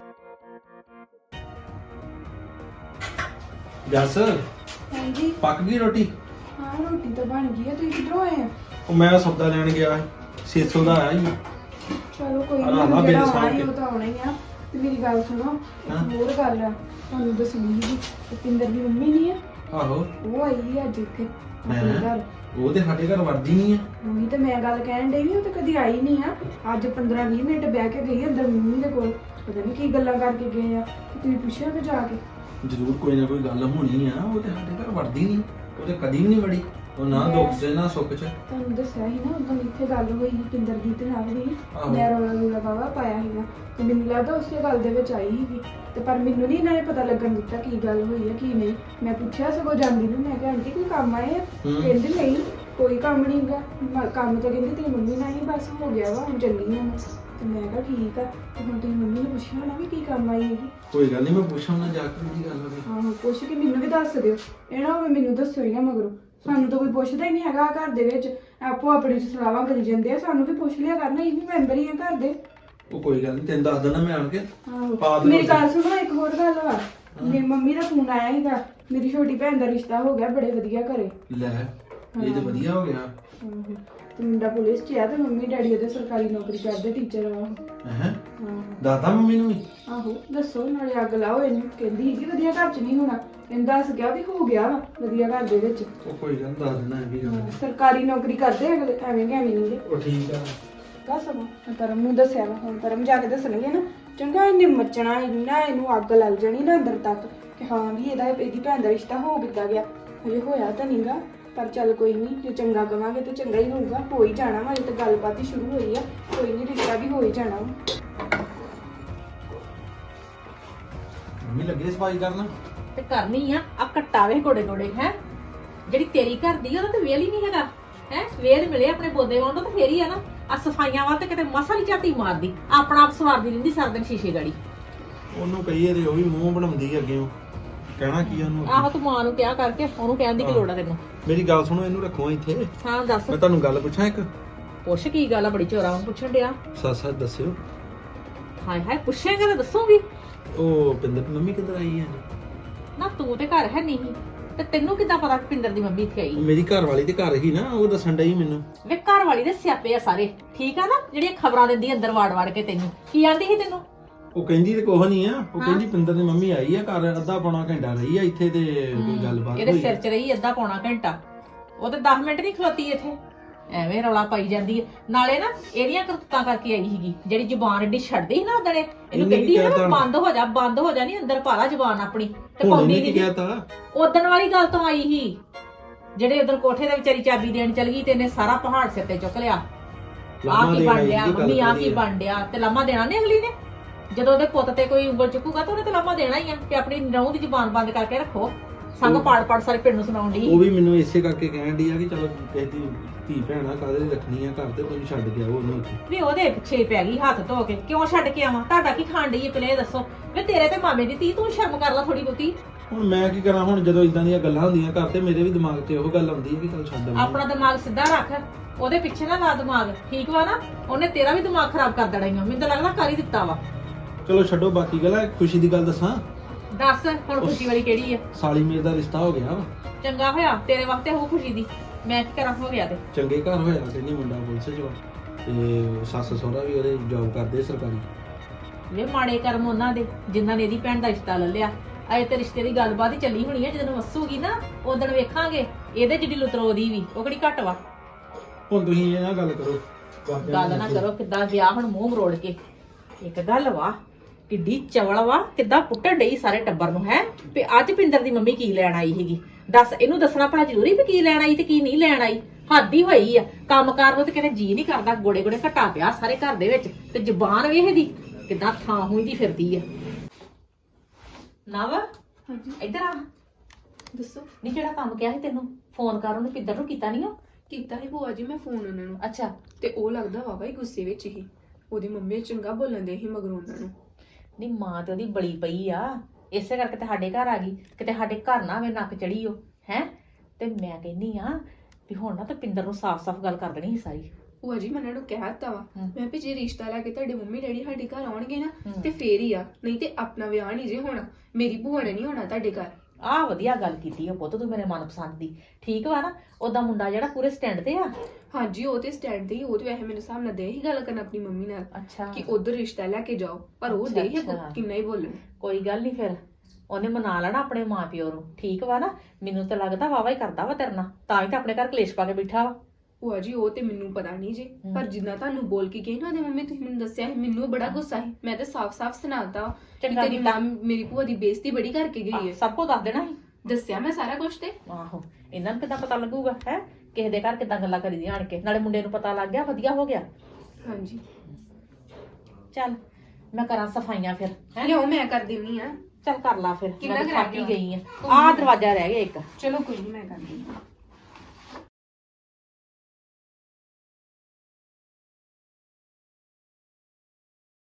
Speaker 5: ਜੱਸ
Speaker 1: ਹਾਂਜੀ
Speaker 5: ਪੱਕ ਗਈ ਰੋਟੀ?
Speaker 1: ਹਾਂ ਰੋਟੀ ਤਾਂ ਬਣ ਗਈ ਆ। ਤੁਸੀਂ ਕਿੱਧਰੋਂ ਆਏ ਆ?
Speaker 5: ਉਹ ਮੈਂ ਸੌਦਾ ਲੈਣ ਗਿਆ ਛੇ ਸੌ ਦਾ ਆਇਆ ਹੀ।
Speaker 1: ਚਲੋ ਕੋਈ
Speaker 5: ਆਹ ਲਾ
Speaker 1: ਨਹੀਂ,
Speaker 5: ਬਿੱਲ
Speaker 1: ਜਿਹੜਾ
Speaker 5: ਸਾਂਭ
Speaker 1: ਆਉਣਾ ਹੀ
Speaker 5: ਕੇ।
Speaker 1: ਉਹ ਤਾਂ ਆਉਣਾ ਹੀ ਆ। ਤੇ ਮੇਰੀ ਗੱਲ ਸੁਣੋ,
Speaker 5: ਹਾਂ।
Speaker 1: ਇੱਕ ਹੋਰ ਗੱਲ ਆ ਤੁਹਾਨੂੰ ਦੱਸਣੀ ਸੀ। ਰੁਪਿੰਦਰ ਦੀ ਮੰਮੀ ਨਹੀਂ ਆ,
Speaker 5: ਆਹੋ
Speaker 1: ਉਹ ਆਈ ਸੀ ਅੱਜ ਇੱਥੇ ਆਪਣੇ
Speaker 5: ਹੈਂ?
Speaker 1: ਘਰ।
Speaker 5: ਉਹ ਤੇ ਸਾਡੇ ਘਰ ਵੜਦੀ ਨਹੀਂ ਆ।
Speaker 1: ਉਹੀ ਤਾਂ ਮੈਂ ਗੱਲ ਕਹਿਣ ਡਈ ਵੀ ਉਹ ਤਾਂ ਕਦੀ ਆਈ ਨਹੀਂ ਆ। ਅੱਜ ਪੰਦਰਾਂ ਵੀਹ ਮਿੰਟ ਬਹਿ ਕੇ ਗਈ ਅੰਦਰ ਮੰਮੀ ਦੇ ਕੋਲ। ਪਤਾ ਨਹੀਂ ਕੀ ਗੱਲਾਂ ਕਰਕੇ ਗਏ ਆ। ਤੇ ਤੁਸੀਂ ਪੁੱਛਿਆ ਕਿ ਜਾ ਕੇ?
Speaker 5: ਜ਼ਰੂਰ ਕੋਈ ਨਾ ਕੋਈ ਗੱਲ ਹੋਣੀ ਆ। ਉਹ ਤੇ ਸਾਡੇ ਘਰ ਵੜਦੀ ਨਹੀਂ, ਉਹ ਤੇ ਕਦੀ ਵੀ ਨਹੀਂ ਵੜੀ। ਉਹ ਨਾ
Speaker 1: ਮੈਂ-
Speaker 5: ਦੁੱਖ ਚ ਨਾ ਸੁੱਖ ਚ।
Speaker 1: ਤੁਹਾਨੂੰ ਦੱਸਿਆ ਸੀ ਨਾ ਉਦੋਂ ਇੱਥੇ ਗੱਲ ਹੋਈ ਸੀ ਪਿੰਦਰਜੀਤ ਨਾਲ ਵੀ।
Speaker 5: ਆਹੋ।
Speaker 1: ਮੈਂ ਰੌਲਾ ਰੌਲਾ ਬਾਵਾ ਪਾਇਆ ਸੀਗਾ ਤੇ ਮੈਨੂੰ ਲੱਗਦਾ ਉਸੇ ਗੱਲ ਦੇ ਵਿੱਚ ਆਈ ਸੀਗੀ। ਤੇ ਪਰ ਮੈਨੂੰ ਨਹੀਂ ਇਹਨਾਂ ਨੇ ਪਤਾ ਲੱਗਣ ਦਿੱਤਾ ਕੀ ਗੱਲ ਹੋਈ ਹੈ ਕੀ ਨਹੀਂ। ਮੈਂ ਪੁੱਛਿਆ ਸਗੋਂ ਜਾਂਦੀ ਨੂੰ, ਮੈਂ ਕਿਹਾ ਆਂਟੀ ਕੋਈ ਕੰਮ ਆਏ ਆ?
Speaker 5: ਹੂੰ।
Speaker 1: ਕਹਿੰਦੇ ਨਹੀਂ ਕੋਈ ਕੰਮ ਨਹੀਂ ਗਾ। ਮ- ਕੰਮ ਤਾਂ ਕਹਿੰਦੇ ਤੇਰੀ ਮੰਮੀ ਨਾਲ ਹੀ ਬਸ ਹੋ ਗਿਆ ਵਾ, ਹੁਣ ਚੱਲੀ ਆ ਮੈਂ। ਤੇ ਮੈਂ ਕਿਹਾ ਠੀਕ ਆ। ਤੇ ਹੁਣ ਤੁਸੀਂ ਮੰਮੀ ਨੂੰ ਪੁੱਛਿਆ ਹੋਣਾ ਵੀ ਕੀ ਕੰਮ ਆਈ ਹੈਗੀ?
Speaker 5: ਕੋਈ ਗੱਲ ਨਹੀਂ, ਮੈਂ ਪੁੱਛਾਂ ਨਾ ਜਾ ਕੇ ਕੀ ਗੱਲ ਹੋਵੇ।
Speaker 1: ਆਹੋ ਪੁੱਛ ਕੇ ਮੈਨੂੰ ਵੀ ਦੱਸ ਦਿਓ। ਇਹ ਨਾ ਹੋਵੇ ਮੈਨੂੰ ਦੱਸੋ ਹੀ ਨਾ ਮਗਰੋਂ। ਸਾਨੂੰ ਤਾਂ ਕੋਈ ਪੁੱਛਦਾ ਹੀ ਨਹੀਂ ਹੈਗਾ ਘਰ ਦੇ ਵਿੱਚ। ਆਪੋ ਆਪਣੀ ਚ ਸਲਾਹਾਂ ਕਰੀ ਜਾਂਦੇ ਆ। ਸਾਨੂੰ ਵੀ ਪੁੱਛ ਲਿਆ ਕਰਨਾ, ਇਹ ਵੀ ਮੈਂਬਰ ਹੀ ਆ ਘਰ ਦੇ।
Speaker 5: ਉਹ ਕੋਈ ਗੱਲ ਨਹੀਂ, ਤੈਨੂੰ ਦੱਸ ਦੇਣਾ ਮੈਂ ਆਣ ਕੇ। ਪਾ
Speaker 1: ਆਹੋ
Speaker 5: ਦਿਓ
Speaker 1: ਮੇਰੀ ਗੱਲ
Speaker 5: ਤੁਸੀਂ।
Speaker 1: ਸੁਣੋ, ਇੱਕ ਹੋਰ ਗੱਲ ਵਾ। ਮੇਰੀ ਮੰਮੀ ਦਾ ਫੋਨ ਆਇਆ ਸੀਗਾ, ਮੇਰੀ ਛੋਟੀ ਭੈਣ ਦਾ ਰਿਸ਼ਤਾ ਹੋ ਗਿਆ ਬੜੇ ਵਧੀਆ ਘਰੇ।
Speaker 5: ਲੈ ਇਹ ਤੇ ਵਧੀਆ ਹੋ ਗਿਆ।
Speaker 1: ਆਹੋ ਤੇ ਮੁੰਡਾ ਪੁਲਿਸ 'ਚ ਆ ਤੇ ਮੰਮੀ ਡੈਡੀ ਉਹਦੇ ਸਰਕਾਰੀ ਨੌਕਰੀ ਕਰਦੇ, ਟੀਚਰ ਵਾ ਉਹ।
Speaker 5: ਹੈ
Speaker 1: ਆਹੋ
Speaker 5: ਦਾਦਾ ਮੰਮੀ ਨੂੰ ਵੀ?
Speaker 1: ਆਹੋ ਦੱਸੋ ਨਾਲੇ ਅੱਗ ਲਾਓ ਇਹਨੂੰ। ਕਹਿੰਦੀ ਸੀਗੀ ਵਧੀਆ ਘਰ 'ਚ ਨਹੀਂ ਹੋਣਾ। ਇਹਨੂੰ ਦੱਸ ਗਿਆ ਵੀ ਹੋ ਗਿਆ ਵਾ ਵਧੀਆ ਘਰ ਦੇ ਵਿੱਚ।
Speaker 5: ਉਹ ਕੋਈ ਗੱਲ ਨੀ, ਦੱਸ ਦੇਣਾ ਇਹ ਵੀ ਗੱਲ।
Speaker 1: ਹਾਂ, ਸਰਕਾਰੀ ਨੌਕਰੀ ਕਰਦੇ ਅਗਲੇ, ਐਵੇਂ ਕਿ ਐਵੇਂ ਨਹੀਂ ਗੇ।
Speaker 5: ਉਹ ਠੀਕ ਆ।
Speaker 1: ਦੱਸ ਸਗੋਂ ਮੈਂ ਕਰਮ ਨੂੰ ਦੱਸਿਆ ਵਾ। ਹੁਣ ਕਰਮ ਜਾ ਕੇ ਦੱਸਣਗੇ ਨਾ। ਚੰਗਾ ਇਹਨੇ ਮੱਚਣਾ ਇੰਨਾ, ਇਹਨੂੰ ਅੱਗ ਲੱਗ ਜਾਣੀ ਨਾ ਅੰਦਰ ਤੱਕ ਕਿ ਹਾਂ ਵੀ ਇਹਦਾ ਇਹਦੀ ਭੈਣ ਦਾ ਰਿਸ਼ਤਾ ਹੋ ਕਿੱਦਾਂ ਗਿਆ। ਹਜੇ ਹੋਇਆ ਤਾਂ ਨਹੀਂਗਾ, ਪਰ ਚੱਲ ਕੋਈ ਨਹੀਂ, ਜੇ ਚੰਗਾ ਕਵਾਂਗੇ ਤੇ ਚੰਗਾ ਹੀ ਹੋਊਗਾ। ਹੋ ਹੀ ਜਾਣਾ ਵਾ, ਅਜੇ ਤਾਂ ਗੱਲਬਾਤ ਹੀ ਸ਼ੁਰੂ ਹੋਈ ਆ। ਕੋਈ ਨਹੀਂ, ਰਿਸ਼ਤਾ ਵੀ ਹੋ ਹੀ ਜਾਣਾ ਵਾ।
Speaker 5: ਮੰਮੀ ਲੱਗੇ ਸਫਾਈ ਕਰਨ?
Speaker 3: ਤੇ ਕਰਨੀ ਆ। ਆ ਕੱਟਾਵੇ ਗੋੜੇ ਗੋੜੇ ਹੈ ਜਿਹੜੀ ਤੇਰੀ ਘਰ ਦੀ, ਉਹਦਾ ਤੇ ਵੇਲ ਹੀ ਨਹੀਂ ਹੈਗਾ ਹੈ। ਵੇਲ ਮਿਲੇ ਆਪਣੇ ਬੋਦੇ ਵਾਂਡੋ ਤੇ ਫੇਰ ਹੀ ਆ ਨਾ। ਆ ਸਫਾਈਆਂ ਵੱਲ ਤੇ ਕਿਤੇ ਮਸਾ ਨਹੀਂ ਝਾਤੀ ਮਾਰਦੀ, ਆਪਣਾ ਆਪ ਸਵਾਰਦੀ ਰਹਿੰਦੀ ਸਾਰਾ ਦਿਨ ਸ਼ੀਸ਼ੇ ਗਾੜੀ।
Speaker 5: ਉਹਨੂੰ ਕਹੀਏ ਤੇ ਉਹ ਵੀ ਮੂੰਹ ਬਣਾਉਂਦੀ ਅੱਗੇ। ਉਹ
Speaker 7: ਕਹਿਣਾ ਕੀ ਆ ਉਹਨੂੰ
Speaker 3: ਆਹੋ ਤੂੰ ਮਾਂ ਨੂੰ ਕਿਹਾ ਕਰਕੇ ਉਹਨੂੰ ਕਹਿਣ ਦੀ ਕੀ ਲੋੜ ਆ ਤੈਨੂੰ।
Speaker 7: ਮੇਰੀ ਗੱਲ ਸੁਣੋ, ਇਹਨੂੰ ਰੱਖੋ ਇੱਥੇ।
Speaker 3: ਹਾਂ ਦੱਸ।
Speaker 7: ਮੈਂ ਤੁਹਾਨੂੰ ਗੱਲ ਪੁੱਛਾਂ ਇੱਕ।
Speaker 3: ਪੁੱਛ ਕੀ ਗੱਲ ਆ, ਬੜੀ ਚੋਰਾਂ ਨੂੰ ਪੁੱਛਣ ਡਿਆ।
Speaker 7: ਸੱਚ ਸੱਚ ਦੱਸਿਓ।
Speaker 3: ਹਾਏ ਹਾਏ ਪੁੱਛੇਂਗਾ ਤਾਂ ਦੱਸੂਗੀ।
Speaker 7: ਉਹ ਪਿੰਦਰ ਦੀ ਮੰਮੀ ਕਿੱਧਰ ਆਈ ਹੈ?
Speaker 3: ਨਾ ਤੂੰ ਤੇ ਘਰ ਹੈ ਨਹੀਂ ਤੇ ਤੈਨੂੰ ਕਿੱਦਾਂ ਪਤਾ ਕਿ ਪਿੰਦਰ ਦੀ ਮੰਮੀ ਇੱਥੇ ਆਈ?
Speaker 7: ਮੇਰੀ ਘਰ ਵਾਲੀ ਤੇ ਘਰ ਹੀ ਨਾ, ਉਹ ਦੱਸਣ ਡਈ ਮੈਨੂੰ।
Speaker 3: ਵੇ ਘਰ ਵਾਲੀ ਦੇ ਸਿਆਪੇ ਆ ਸਾਰੇ, ਠੀਕ ਆ ਨਾ, ਜਿਹੜੀਆਂ ਖਬਰਾਂ ਦਿੰਦੀ ਅੰਦਰ ਵਾੜ ਵਾੜ ਕੇ ਤੈਨੂੰ। ਕੀ ਆਂਦੀ ਸੀ ਤੈਨੂੰ?
Speaker 7: ਉਹ ਕਹਿੰਦੀ ਤੇ ਕੁਛ ਨਹੀਂ ਆ, ਉਹ
Speaker 3: ਹਾਂ।
Speaker 7: ਕਹਿੰਦੀ ਪਿੰਦਰ ਦੀ ਮੰਮੀ ਆਈ ਆ ਘਰ, ਅੱਧਾ ਪੌਣਾ ਘੰਟਾ ਰਹੀ ਆ ਇੱਥੇ ਤੇ ਕੋਈ ਗੱਲਬਾਤ
Speaker 3: ਇਹਦੇ
Speaker 7: ਹੋਈ।
Speaker 3: ਸਿਰ 'ਚ ਰਹੀ ਅੱਧਾ ਪੌਣਾ ਘੰਟਾ, ਉਹ ਤੇ ਦਸ ਮਿੰਟ ਨਹੀਂ ਖਲੋਤੀ ਇੱਥੇ, ਐਵੇਂ ਰੌਲਾ ਪਾਈ ਜਾਂਦੀ ਹੈ। ਨਾਲੇ ਨਾ ਇਹਦੀਆਂ ਕਰਤੂਤਾਂ ਕਰਕੇ ਆਈ ਸੀਗੀ, ਜਿਹੜੀ ਜ਼ੁਬਾਨ ਏਡੀ ਛੱਡਦੀ ਸੀ ਨਾ ਉਹਦਣੇ, ਇਹਨੂੰ
Speaker 7: ਇਹਨੇ
Speaker 3: ਕਹਿੰਦੀ
Speaker 7: ਕੀ
Speaker 3: ਸੀ ਨਾ
Speaker 7: ਕਹਿਤਾ?
Speaker 3: ਬੰਦ ਹੋ ਜਾ ਬੰਦ ਹੋ ਜਾ, ਨਹੀਂ ਅੰਦਰ ਪਾ ਲਾ ਜ਼ੁਬਾਨ ਆਪਣੀ, ਤੇ
Speaker 7: ਹੁਣ
Speaker 3: ਪਾਉਂਦੀ
Speaker 7: ਇਹਨੇ ਕੀ
Speaker 3: ਨਹੀਂ।
Speaker 7: ਕਹਿਤਾ?
Speaker 3: ਉਦਣ ਵਾਲੀ ਗੱਲ ਤੋਂ ਆਈ ਸੀ, ਜਿਹੜੇ ਉਧਰ ਕੋਠੇ ਦੇ ਵਿਚਾਰੀ ਚਾਬੀ ਦੇਣ ਚਲ ਗਈ ਤੇ ਇਹਨੇ ਸਾਰਾ ਪਹਾੜ ਸਿਰ ਤੇ ਚੁੱਕ ਲਿਆ। ਆ
Speaker 7: ਲਾਮਾ
Speaker 3: ਕੀ
Speaker 7: ਦੇਣ
Speaker 3: ਬਣ
Speaker 7: ਆਈ
Speaker 3: ਡਿਆ
Speaker 7: ਦੀ ਗੱਲ
Speaker 3: ਮੰਮੀ, ਆ
Speaker 7: ਕਰੀ
Speaker 3: ਕੀ
Speaker 7: ਆ।
Speaker 3: ਬਣ ਡਿਆ, ਤੇ ਲਾਮਾ ਦੇਣਾ ਨੀ ਅਗਲੀ ਨੇ। ਜਦੋਂ ਉਹਦੇ ਪੁੱਤ ਤੇ ਕੋਈ ਉਂਗਲ ਚੁੱਕੂਗਾ ਤਾਂ ਉਹਨੇ ਤੇ ਲਾਮਾ ਦੇਣਾ ਹੀ ਆ ਕਿ ਆਪਣੀ ਨਹੁੰ ਦੀ ਜ਼ੁਬਾਨ ਬੰਦ ਕਰਕੇ ਰੱਖੋ। ਸੰਗ ਪਾੜ ਪਾੜ ਸਾਰੇ ਪਿੰਡ ਨੂੰ ਸੁਣਾਉਣ ਦੀ।
Speaker 7: ਉਹ ਵੀ ਮੈਨੂੰ ਇਸੇ ਕਰਕੇ ਕਹਿਣ ਡਈ ਆ ਕਿ ਚਲੋ ਕਿਸੇ ਦੀ ਧੀ ਭੈਣਾ ਕਾਹਦੇ ਲਈ ਰੱਖਣੀ ਆ ਘਰ, ਤੇ ਤੈਨੂੰ ਛੱਡ ਗਿਆ ਉਹ ਉਹਨੂੰ ਉੱਥੇ।
Speaker 3: ਵੀ ਉਹਦੇ ਪਿੱਛੇ ਪੈ ਗਈ ਹੱਥ ਧੋ ਕੇ, ਕਿਉਂ ਛੱਡ ਕੇ ਆਵਾਂ? ਤੁਹਾਡਾ ਕੀ ਖਾਣ ਡਈ ਹੈ ਪਹਿਲੇ ਇਹ ਦੱਸੋ। ਵੀ ਤੇਰੇ ਤੇ ਮਾਮੇ ਦੀ ਧੀ, ਤੂੰ ਸ਼ਰਮ ਕਰ ਲੈ ਥੋੜੀ ਬਹੁਤੀ।
Speaker 7: ਹੁਣ ਮੈਂ ਕੀ ਕਰਾਂ? ਹੁਣ ਜਦੋਂ ਇਦਾਂ ਦੀਆਂ ਗੱਲਾਂ ਹੁੰਦੀਆਂ ਘਰ, ਤੇ ਮੇਰੇ ਵੀ ਦਿਮਾਗ 'ਚ ਇਹੋ ਗੱਲ ਆਉਂਦੀ ਹੈ ਕਿ ਚੱਲ ਛੱਡ ਆਵਾਂ।
Speaker 3: ਆਪਣਾ ਦਿਮਾਗ ਸਿੱਧਾ ਰੱਖ, ਉਹਦੇ ਪਿੱਛੇ ਨਾ ਲਾ ਦਿਮਾਗ, ਠੀਕ ਵਾ ਨਾ? ਉਹਨੇ ਤੇਰਾ ਵੀ ਦਿਮਾਗ ਖਰਾਬ ਕਰ ਦੇਣਾ ਹੀ ਆ, ਮੈਨੂੰ ਤਾਂ ਲੱਗਦਾ ਕਰ ਹੀ ਦਿੱਤਾ ਵਾ।
Speaker 7: ਚਲੋ ਛੱਡੋ ਬਾਕੀ ਗੱਲਾਂ, ਖੁਸ਼ੀ ਦੀ ਗੱਲ ਦੱਸਾਂ।
Speaker 3: ਦੱਸ ਹੁਣ ਖੁਸ਼ੀ ਵਾਲੀ ਕਿਹੜੀ ਆ?
Speaker 7: ਸਾਲੀ ਮੇਰੇ ਦਾ ਰਿਸ਼ਤਾ ਹੋ ਗਿਆ ਵਾ।
Speaker 3: ਚੰਗਾ ਹੋਇਆ ਤੇਰੇ ਵਾਸਤੇ, ਹੋ ਖੁਸ਼ੀ ਦੀ। ਮੈਂ ਕੀ ਕਰਾਂ, ਹੋ ਗਿਆ ਤੇ।
Speaker 7: ਚੰਗੇ ਘਰ ਹੋਇਆ, ਕਹਿੰਦੀ ਮੁੰਡਾ ਪੁਲਿਸ 'ਚ ਵਾ, ਤੇ ਸੱਸ ਸਹੁਰਾ ਵੀ ਉਹਦੇ ਜੌਬ ਕਰਦੇ ਸਰਕਾਰੀ।
Speaker 3: ਵੇ ਮਾੜੇ ਕਰਮ ਉਹਨਾਂ ਦੇ ਜਿਨ੍ਹਾਂ ਨੇ ਇਹਦੀ ਭੈਣ ਦਾ ਰਿਸ਼ਤਾ ਲੈ ਲਿਆ। ਅਜੇ ਤੇ ਰਿਸ਼ਤੇ ਦੀ ਗੱਲਬਾਤ ਹੀ ਚੱਲੀ ਹੋਣੀ ਹੈ, ਜਦੋਂ ਵਸੂਗੀ ਨਾ ਉਦੋਂ ਵੇਖਾਂਗੇ ਇਹਦੇ ਜਿਹੜੀ ਲੁਤਰੋ ਦੀ ਵੀ, ਉਹ ਕਿਹੜੀ ਘੱਟ ਵਾ।
Speaker 7: ਹੁਣ ਤੁਸੀਂ ਇਹ ਨਾ ਗੱਲ ਕਰੋ।
Speaker 3: ਗੱਲ ਨਾ ਕਰੋ, ਕਿੱਦਾਂ ਗਿਆ ਹੁਣ ਮੂੰਹ ਮਰੋੜ ਕੇ। ਇੱਕ ਗੱਲ ਵਾ, ਕਿੱਡੀ ਚਵਲ ਵਾ, ਕਿੱਦਾਂ ਪੁੱਟਣ ਡਈ ਸਾਰੇ ਟੱਬਰ ਨੂੰ ਹੈ ਵੀ ਅੱਜ ਪਿੰਦਰ ਦੀ ਮੰਮੀ ਕੀ ਲੈਣ ਆਈ ਸੀਗੀ। ਦੱਸ ਇਹਨੂੰ ਦੱਸਣਾ ਭਲਾ ਜ਼ਰੂਰੀ ਵੀ ਕੀ ਲੈਣ ਆਈ ਤੇ ਕੀ ਨਹੀਂ ਲੈਣ ਆਈ। ਹੱਦ ਹੀ ਹੋਈ ਆ, ਕੰਮਕਾਰ ਨੂੰ ਤੇ ਕਹਿੰਦੇ ਜੀ ਨਹੀਂ ਕਰਦਾ, ਗੋੜੇ ਗੋੜੇ ਘਟਾ ਪਿਆ ਸਾਰੇ ਘਰ ਦੇ ਵਿੱਚ, ਤੇ ਜ਼ੁਬਾਨ ਵੇਖ ਦੀ ਕਿੱਦਾਂ ਥਾਂ ਹੋਈ ਦੀ ਫਿਰਦੀ ਆ। ਨਾ ਵਾ
Speaker 1: ਹਾਂਜੀ
Speaker 3: ਇੱਧਰ ਆ।
Speaker 1: ਦੱਸੋ।
Speaker 3: ਨਹੀਂ ਜਿਹੜਾ ਕੰਮ ਕਿਹਾ ਸੀ ਤੈਨੂੰ ਫੋਨ ਕਰ, ਉਹਨੂੰ ਪਿੱਦਰ ਨੂੰ ਕੀਤਾ ਨਹੀਂ ਉਹ?
Speaker 1: ਕੀਤਾ ਸੀ ਭੂਆ ਜੀ ਮੈਂ ਫੋਨ ਉਹਨਾਂ ਨੂੰ,
Speaker 3: ਅੱਛਾ
Speaker 1: ਤੇ ਉਹ ਲੱਗਦਾ ਵਾਵਾ ਹੀ ਗੁੱਸੇ ਵਿੱਚ ਹੀ। ਉਹਦੀ ਮੰਮੀ ਚੰਗਾ ਬੋਲਣ ਦੇ ਸੀ ਮਗਰੋਂ ਉਹਨਾਂ ਨੂੰ।
Speaker 3: ਨਹੀਂ ਮਾਂ ਤੇ ਉਹਦੀ ਬੜੀ ਪਈ ਆ, ਇਸੇ ਕਰਕੇ ਤੇ ਸਾਡੇ ਘਰ ਆ ਗਈ, ਕਿਤੇ ਸਾਡੇ ਘਰ ਨਾ ਆਵੇ ਨੱਕ ਚੜੀ ਉਹ ਹੈ। ਤੇ ਮੈਂ ਕਹਿੰਦੀ ਆ ਵੀ ਹੁਣ ਨਾ ਤੇ ਪਿੰਦਰ ਨੂੰ ਸਾਫ਼-ਸਾਫ਼ ਗੱਲ ਕਰ ਦੇਣੀ ਸੀ ਸਾਰੀ।
Speaker 1: ਭੂਆ ਜੀ ਮੈਂ ਉਹਨਾਂ ਨੂੰ ਕਹਿ ਦਿੱਤਾ ਵਾ,
Speaker 3: ਹਮ।
Speaker 1: ਮੈਂ ਵੀ ਜੇ ਰਿਸ਼ਤਾ ਲੈ ਕੇ ਤੁਹਾਡੇ ਮੰਮੀ ਡੈਡੀ ਸਾਡੇ ਘਰ ਆਉਣਗੇ ਨਾ
Speaker 3: ਹਮ।
Speaker 1: ਤੇ ਫੇਰ ਹੀ ਆ, ਨਹੀਂ ਤੇ ਆਪਣਾ ਵਿਆਹ ਨਹੀਂ ਜੇ ਹੋਣਾ। ਮੇਰੀ ਭੂਆ ਨੇ ਨਹੀਂ ਹੋਣਾ ਤੁਹਾਡੇ ਘਰ।
Speaker 3: ਆਹ ਵਧੀਆ ਗੱਲ ਕੀਤੀ ਉਹ ਪੁੱਤ, ਤੂੰ ਮੇਰੇ ਮਨਪਸੰਦ ਦੀ। ਠੀਕ ਵਾ ਨਾ? ਉਹਦਾ ਮੁੰਡਾ ਜਿਹੜਾ ਪੂਰੇ ਸਟੈਂਡ ਤੇ ਆ।
Speaker 1: ਹਾਂਜੀ ਉਹ ਤੇ ਸਟੈਂਡ ਤੇ ਹੀ, ਉਹ ਤੇ ਵੈਸੇ ਮੇਰੇ ਹਿਸਾਬ ਨਾਲ ਦੇ ਹੀ ਗੱਲ ਕਰਨ ਆਪਣੀ ਮੰਮੀ ਨਾਲ
Speaker 3: ਅੱਛਾ
Speaker 1: ਕਿ ਉਧਰ ਰਿਸ਼ਤਾ ਲੈ ਕੇ ਜਾਓ, ਪਰ ਉਹ
Speaker 3: ਅੱਛਾ,
Speaker 1: ਦੇ ਹੀ
Speaker 3: ਅੱਛਾ।
Speaker 1: ਕਿੰਨਾ ਹੀ ਬੋਲਣ।
Speaker 3: ਕੋਈ ਗੱਲ ਨਹੀਂ, ਫਿਰ ਉਹਨੇ ਮਨਾ ਲੈਣਾ ਆਪਣੇ ਮਾਂ ਪਿਓ ਨੂੰ। ਠੀਕ ਵਾ ਨਾ? ਮੈਨੂੰ ਤਾਂ ਲੱਗਦਾ ਵਾਵਾ ਹੀ ਕਰਦਾ ਵਾ ਤੇਰੇ ਨਾਲ, ਤਾਂ ਹੀ ਤਾਂ ਆਪਣੇ ਘਰ ਕਲੇਸ਼ ਪਾ ਕੇ ਬੈਠਾ ਵਾ।
Speaker 1: ਭੂਆ ਜੀ ਉਹ ਤੇ ਮੈਨੂੰ ਪਤਾ ਨਹੀਂ ਜੇ, ਪਰ ਜਿੰਨਾ ਤੁਹਾਨੂੰ ਬੋਲ ਕੇ ਗਏ ਨਾ ਉਹਦੇ ਮੰਮੀ, ਤੁਸੀਂ ਮੈਨੂੰ ਦੱਸਿਆ ਸੀ, ਮੈਨੂੰ ਬੜਾ ਗੁੱਸਾ ਸੀ। ਮੈਂ ਤੇ ਸਾਫ਼-ਸਾਫ਼ ਸੁਣਾਤਾ ਕਿ
Speaker 3: ਚੰਗਾ
Speaker 1: ਤੇਰੀ
Speaker 3: ਕੀਤਾ।
Speaker 1: ਮਾਂ ਮੇਰੀ ਭੂਆ ਦੀ ਬੇਇੱਜ਼ਤੀ ਬੜੀ ਕਰਕੇ ਗਈ
Speaker 3: ਆਹ,
Speaker 1: ਹੈ।
Speaker 3: ਸਭ ਕੁਝ ਦੱਸ ਦੇਣਾ ਸੀ।
Speaker 1: ਦੱਸਿਆ ਮੈਂ ਸਾਰਾ ਕੁਝ ਤੇ।
Speaker 3: ਆਹੋ ਇਹਨਾਂ ਨੂੰ ਕਿੱਦਾਂ ਪਤਾ ਲੱਗੂਗਾ ਹੈ ਕਿਸੇ ਦੇ ਘਰ ਕਿੱਦਾਂ ਗੱਲਾਂ ਕਰੀਦੀਆਂ ਆਣ ਕੇ। ਨਾਲੇ ਮੁੰਡੇ ਨੂੰ ਪਤਾ ਲੱਗ ਗਿਆ, ਵਧੀਆ ਹੋ ਗਿਆ।
Speaker 1: ਹਾਂਜੀ
Speaker 3: ਚੱਲ ਮੈਂ ਕਰਾਂ ਸਫਾਈਆਂ ਫਿਰ ਹੈ।
Speaker 1: ਲਿਓ ਮੈਂ ਕਰ ਦਿੰਨੀ ਆ।
Speaker 3: ਚੱਲ ਕਰ ਲਾ ਫਿਰ,
Speaker 1: ਕਿੰਨਾ
Speaker 3: ਮੈਂ ਤਾਂ
Speaker 1: ਕੁ ਰਹਿ
Speaker 3: ਥੱਕ ਹੀ
Speaker 1: ਗਿਆ?
Speaker 3: ਗਈ ਆ। ਆਹ ਦਰਵਾਜ਼ਾ ਰਹਿ ਗਿਆ ਇੱਕ।
Speaker 1: ਚਲੋ ਕੋਈ ਨਹੀਂ ਮੈਂ ਕਰ ਦਿੰਨੀ ਆ।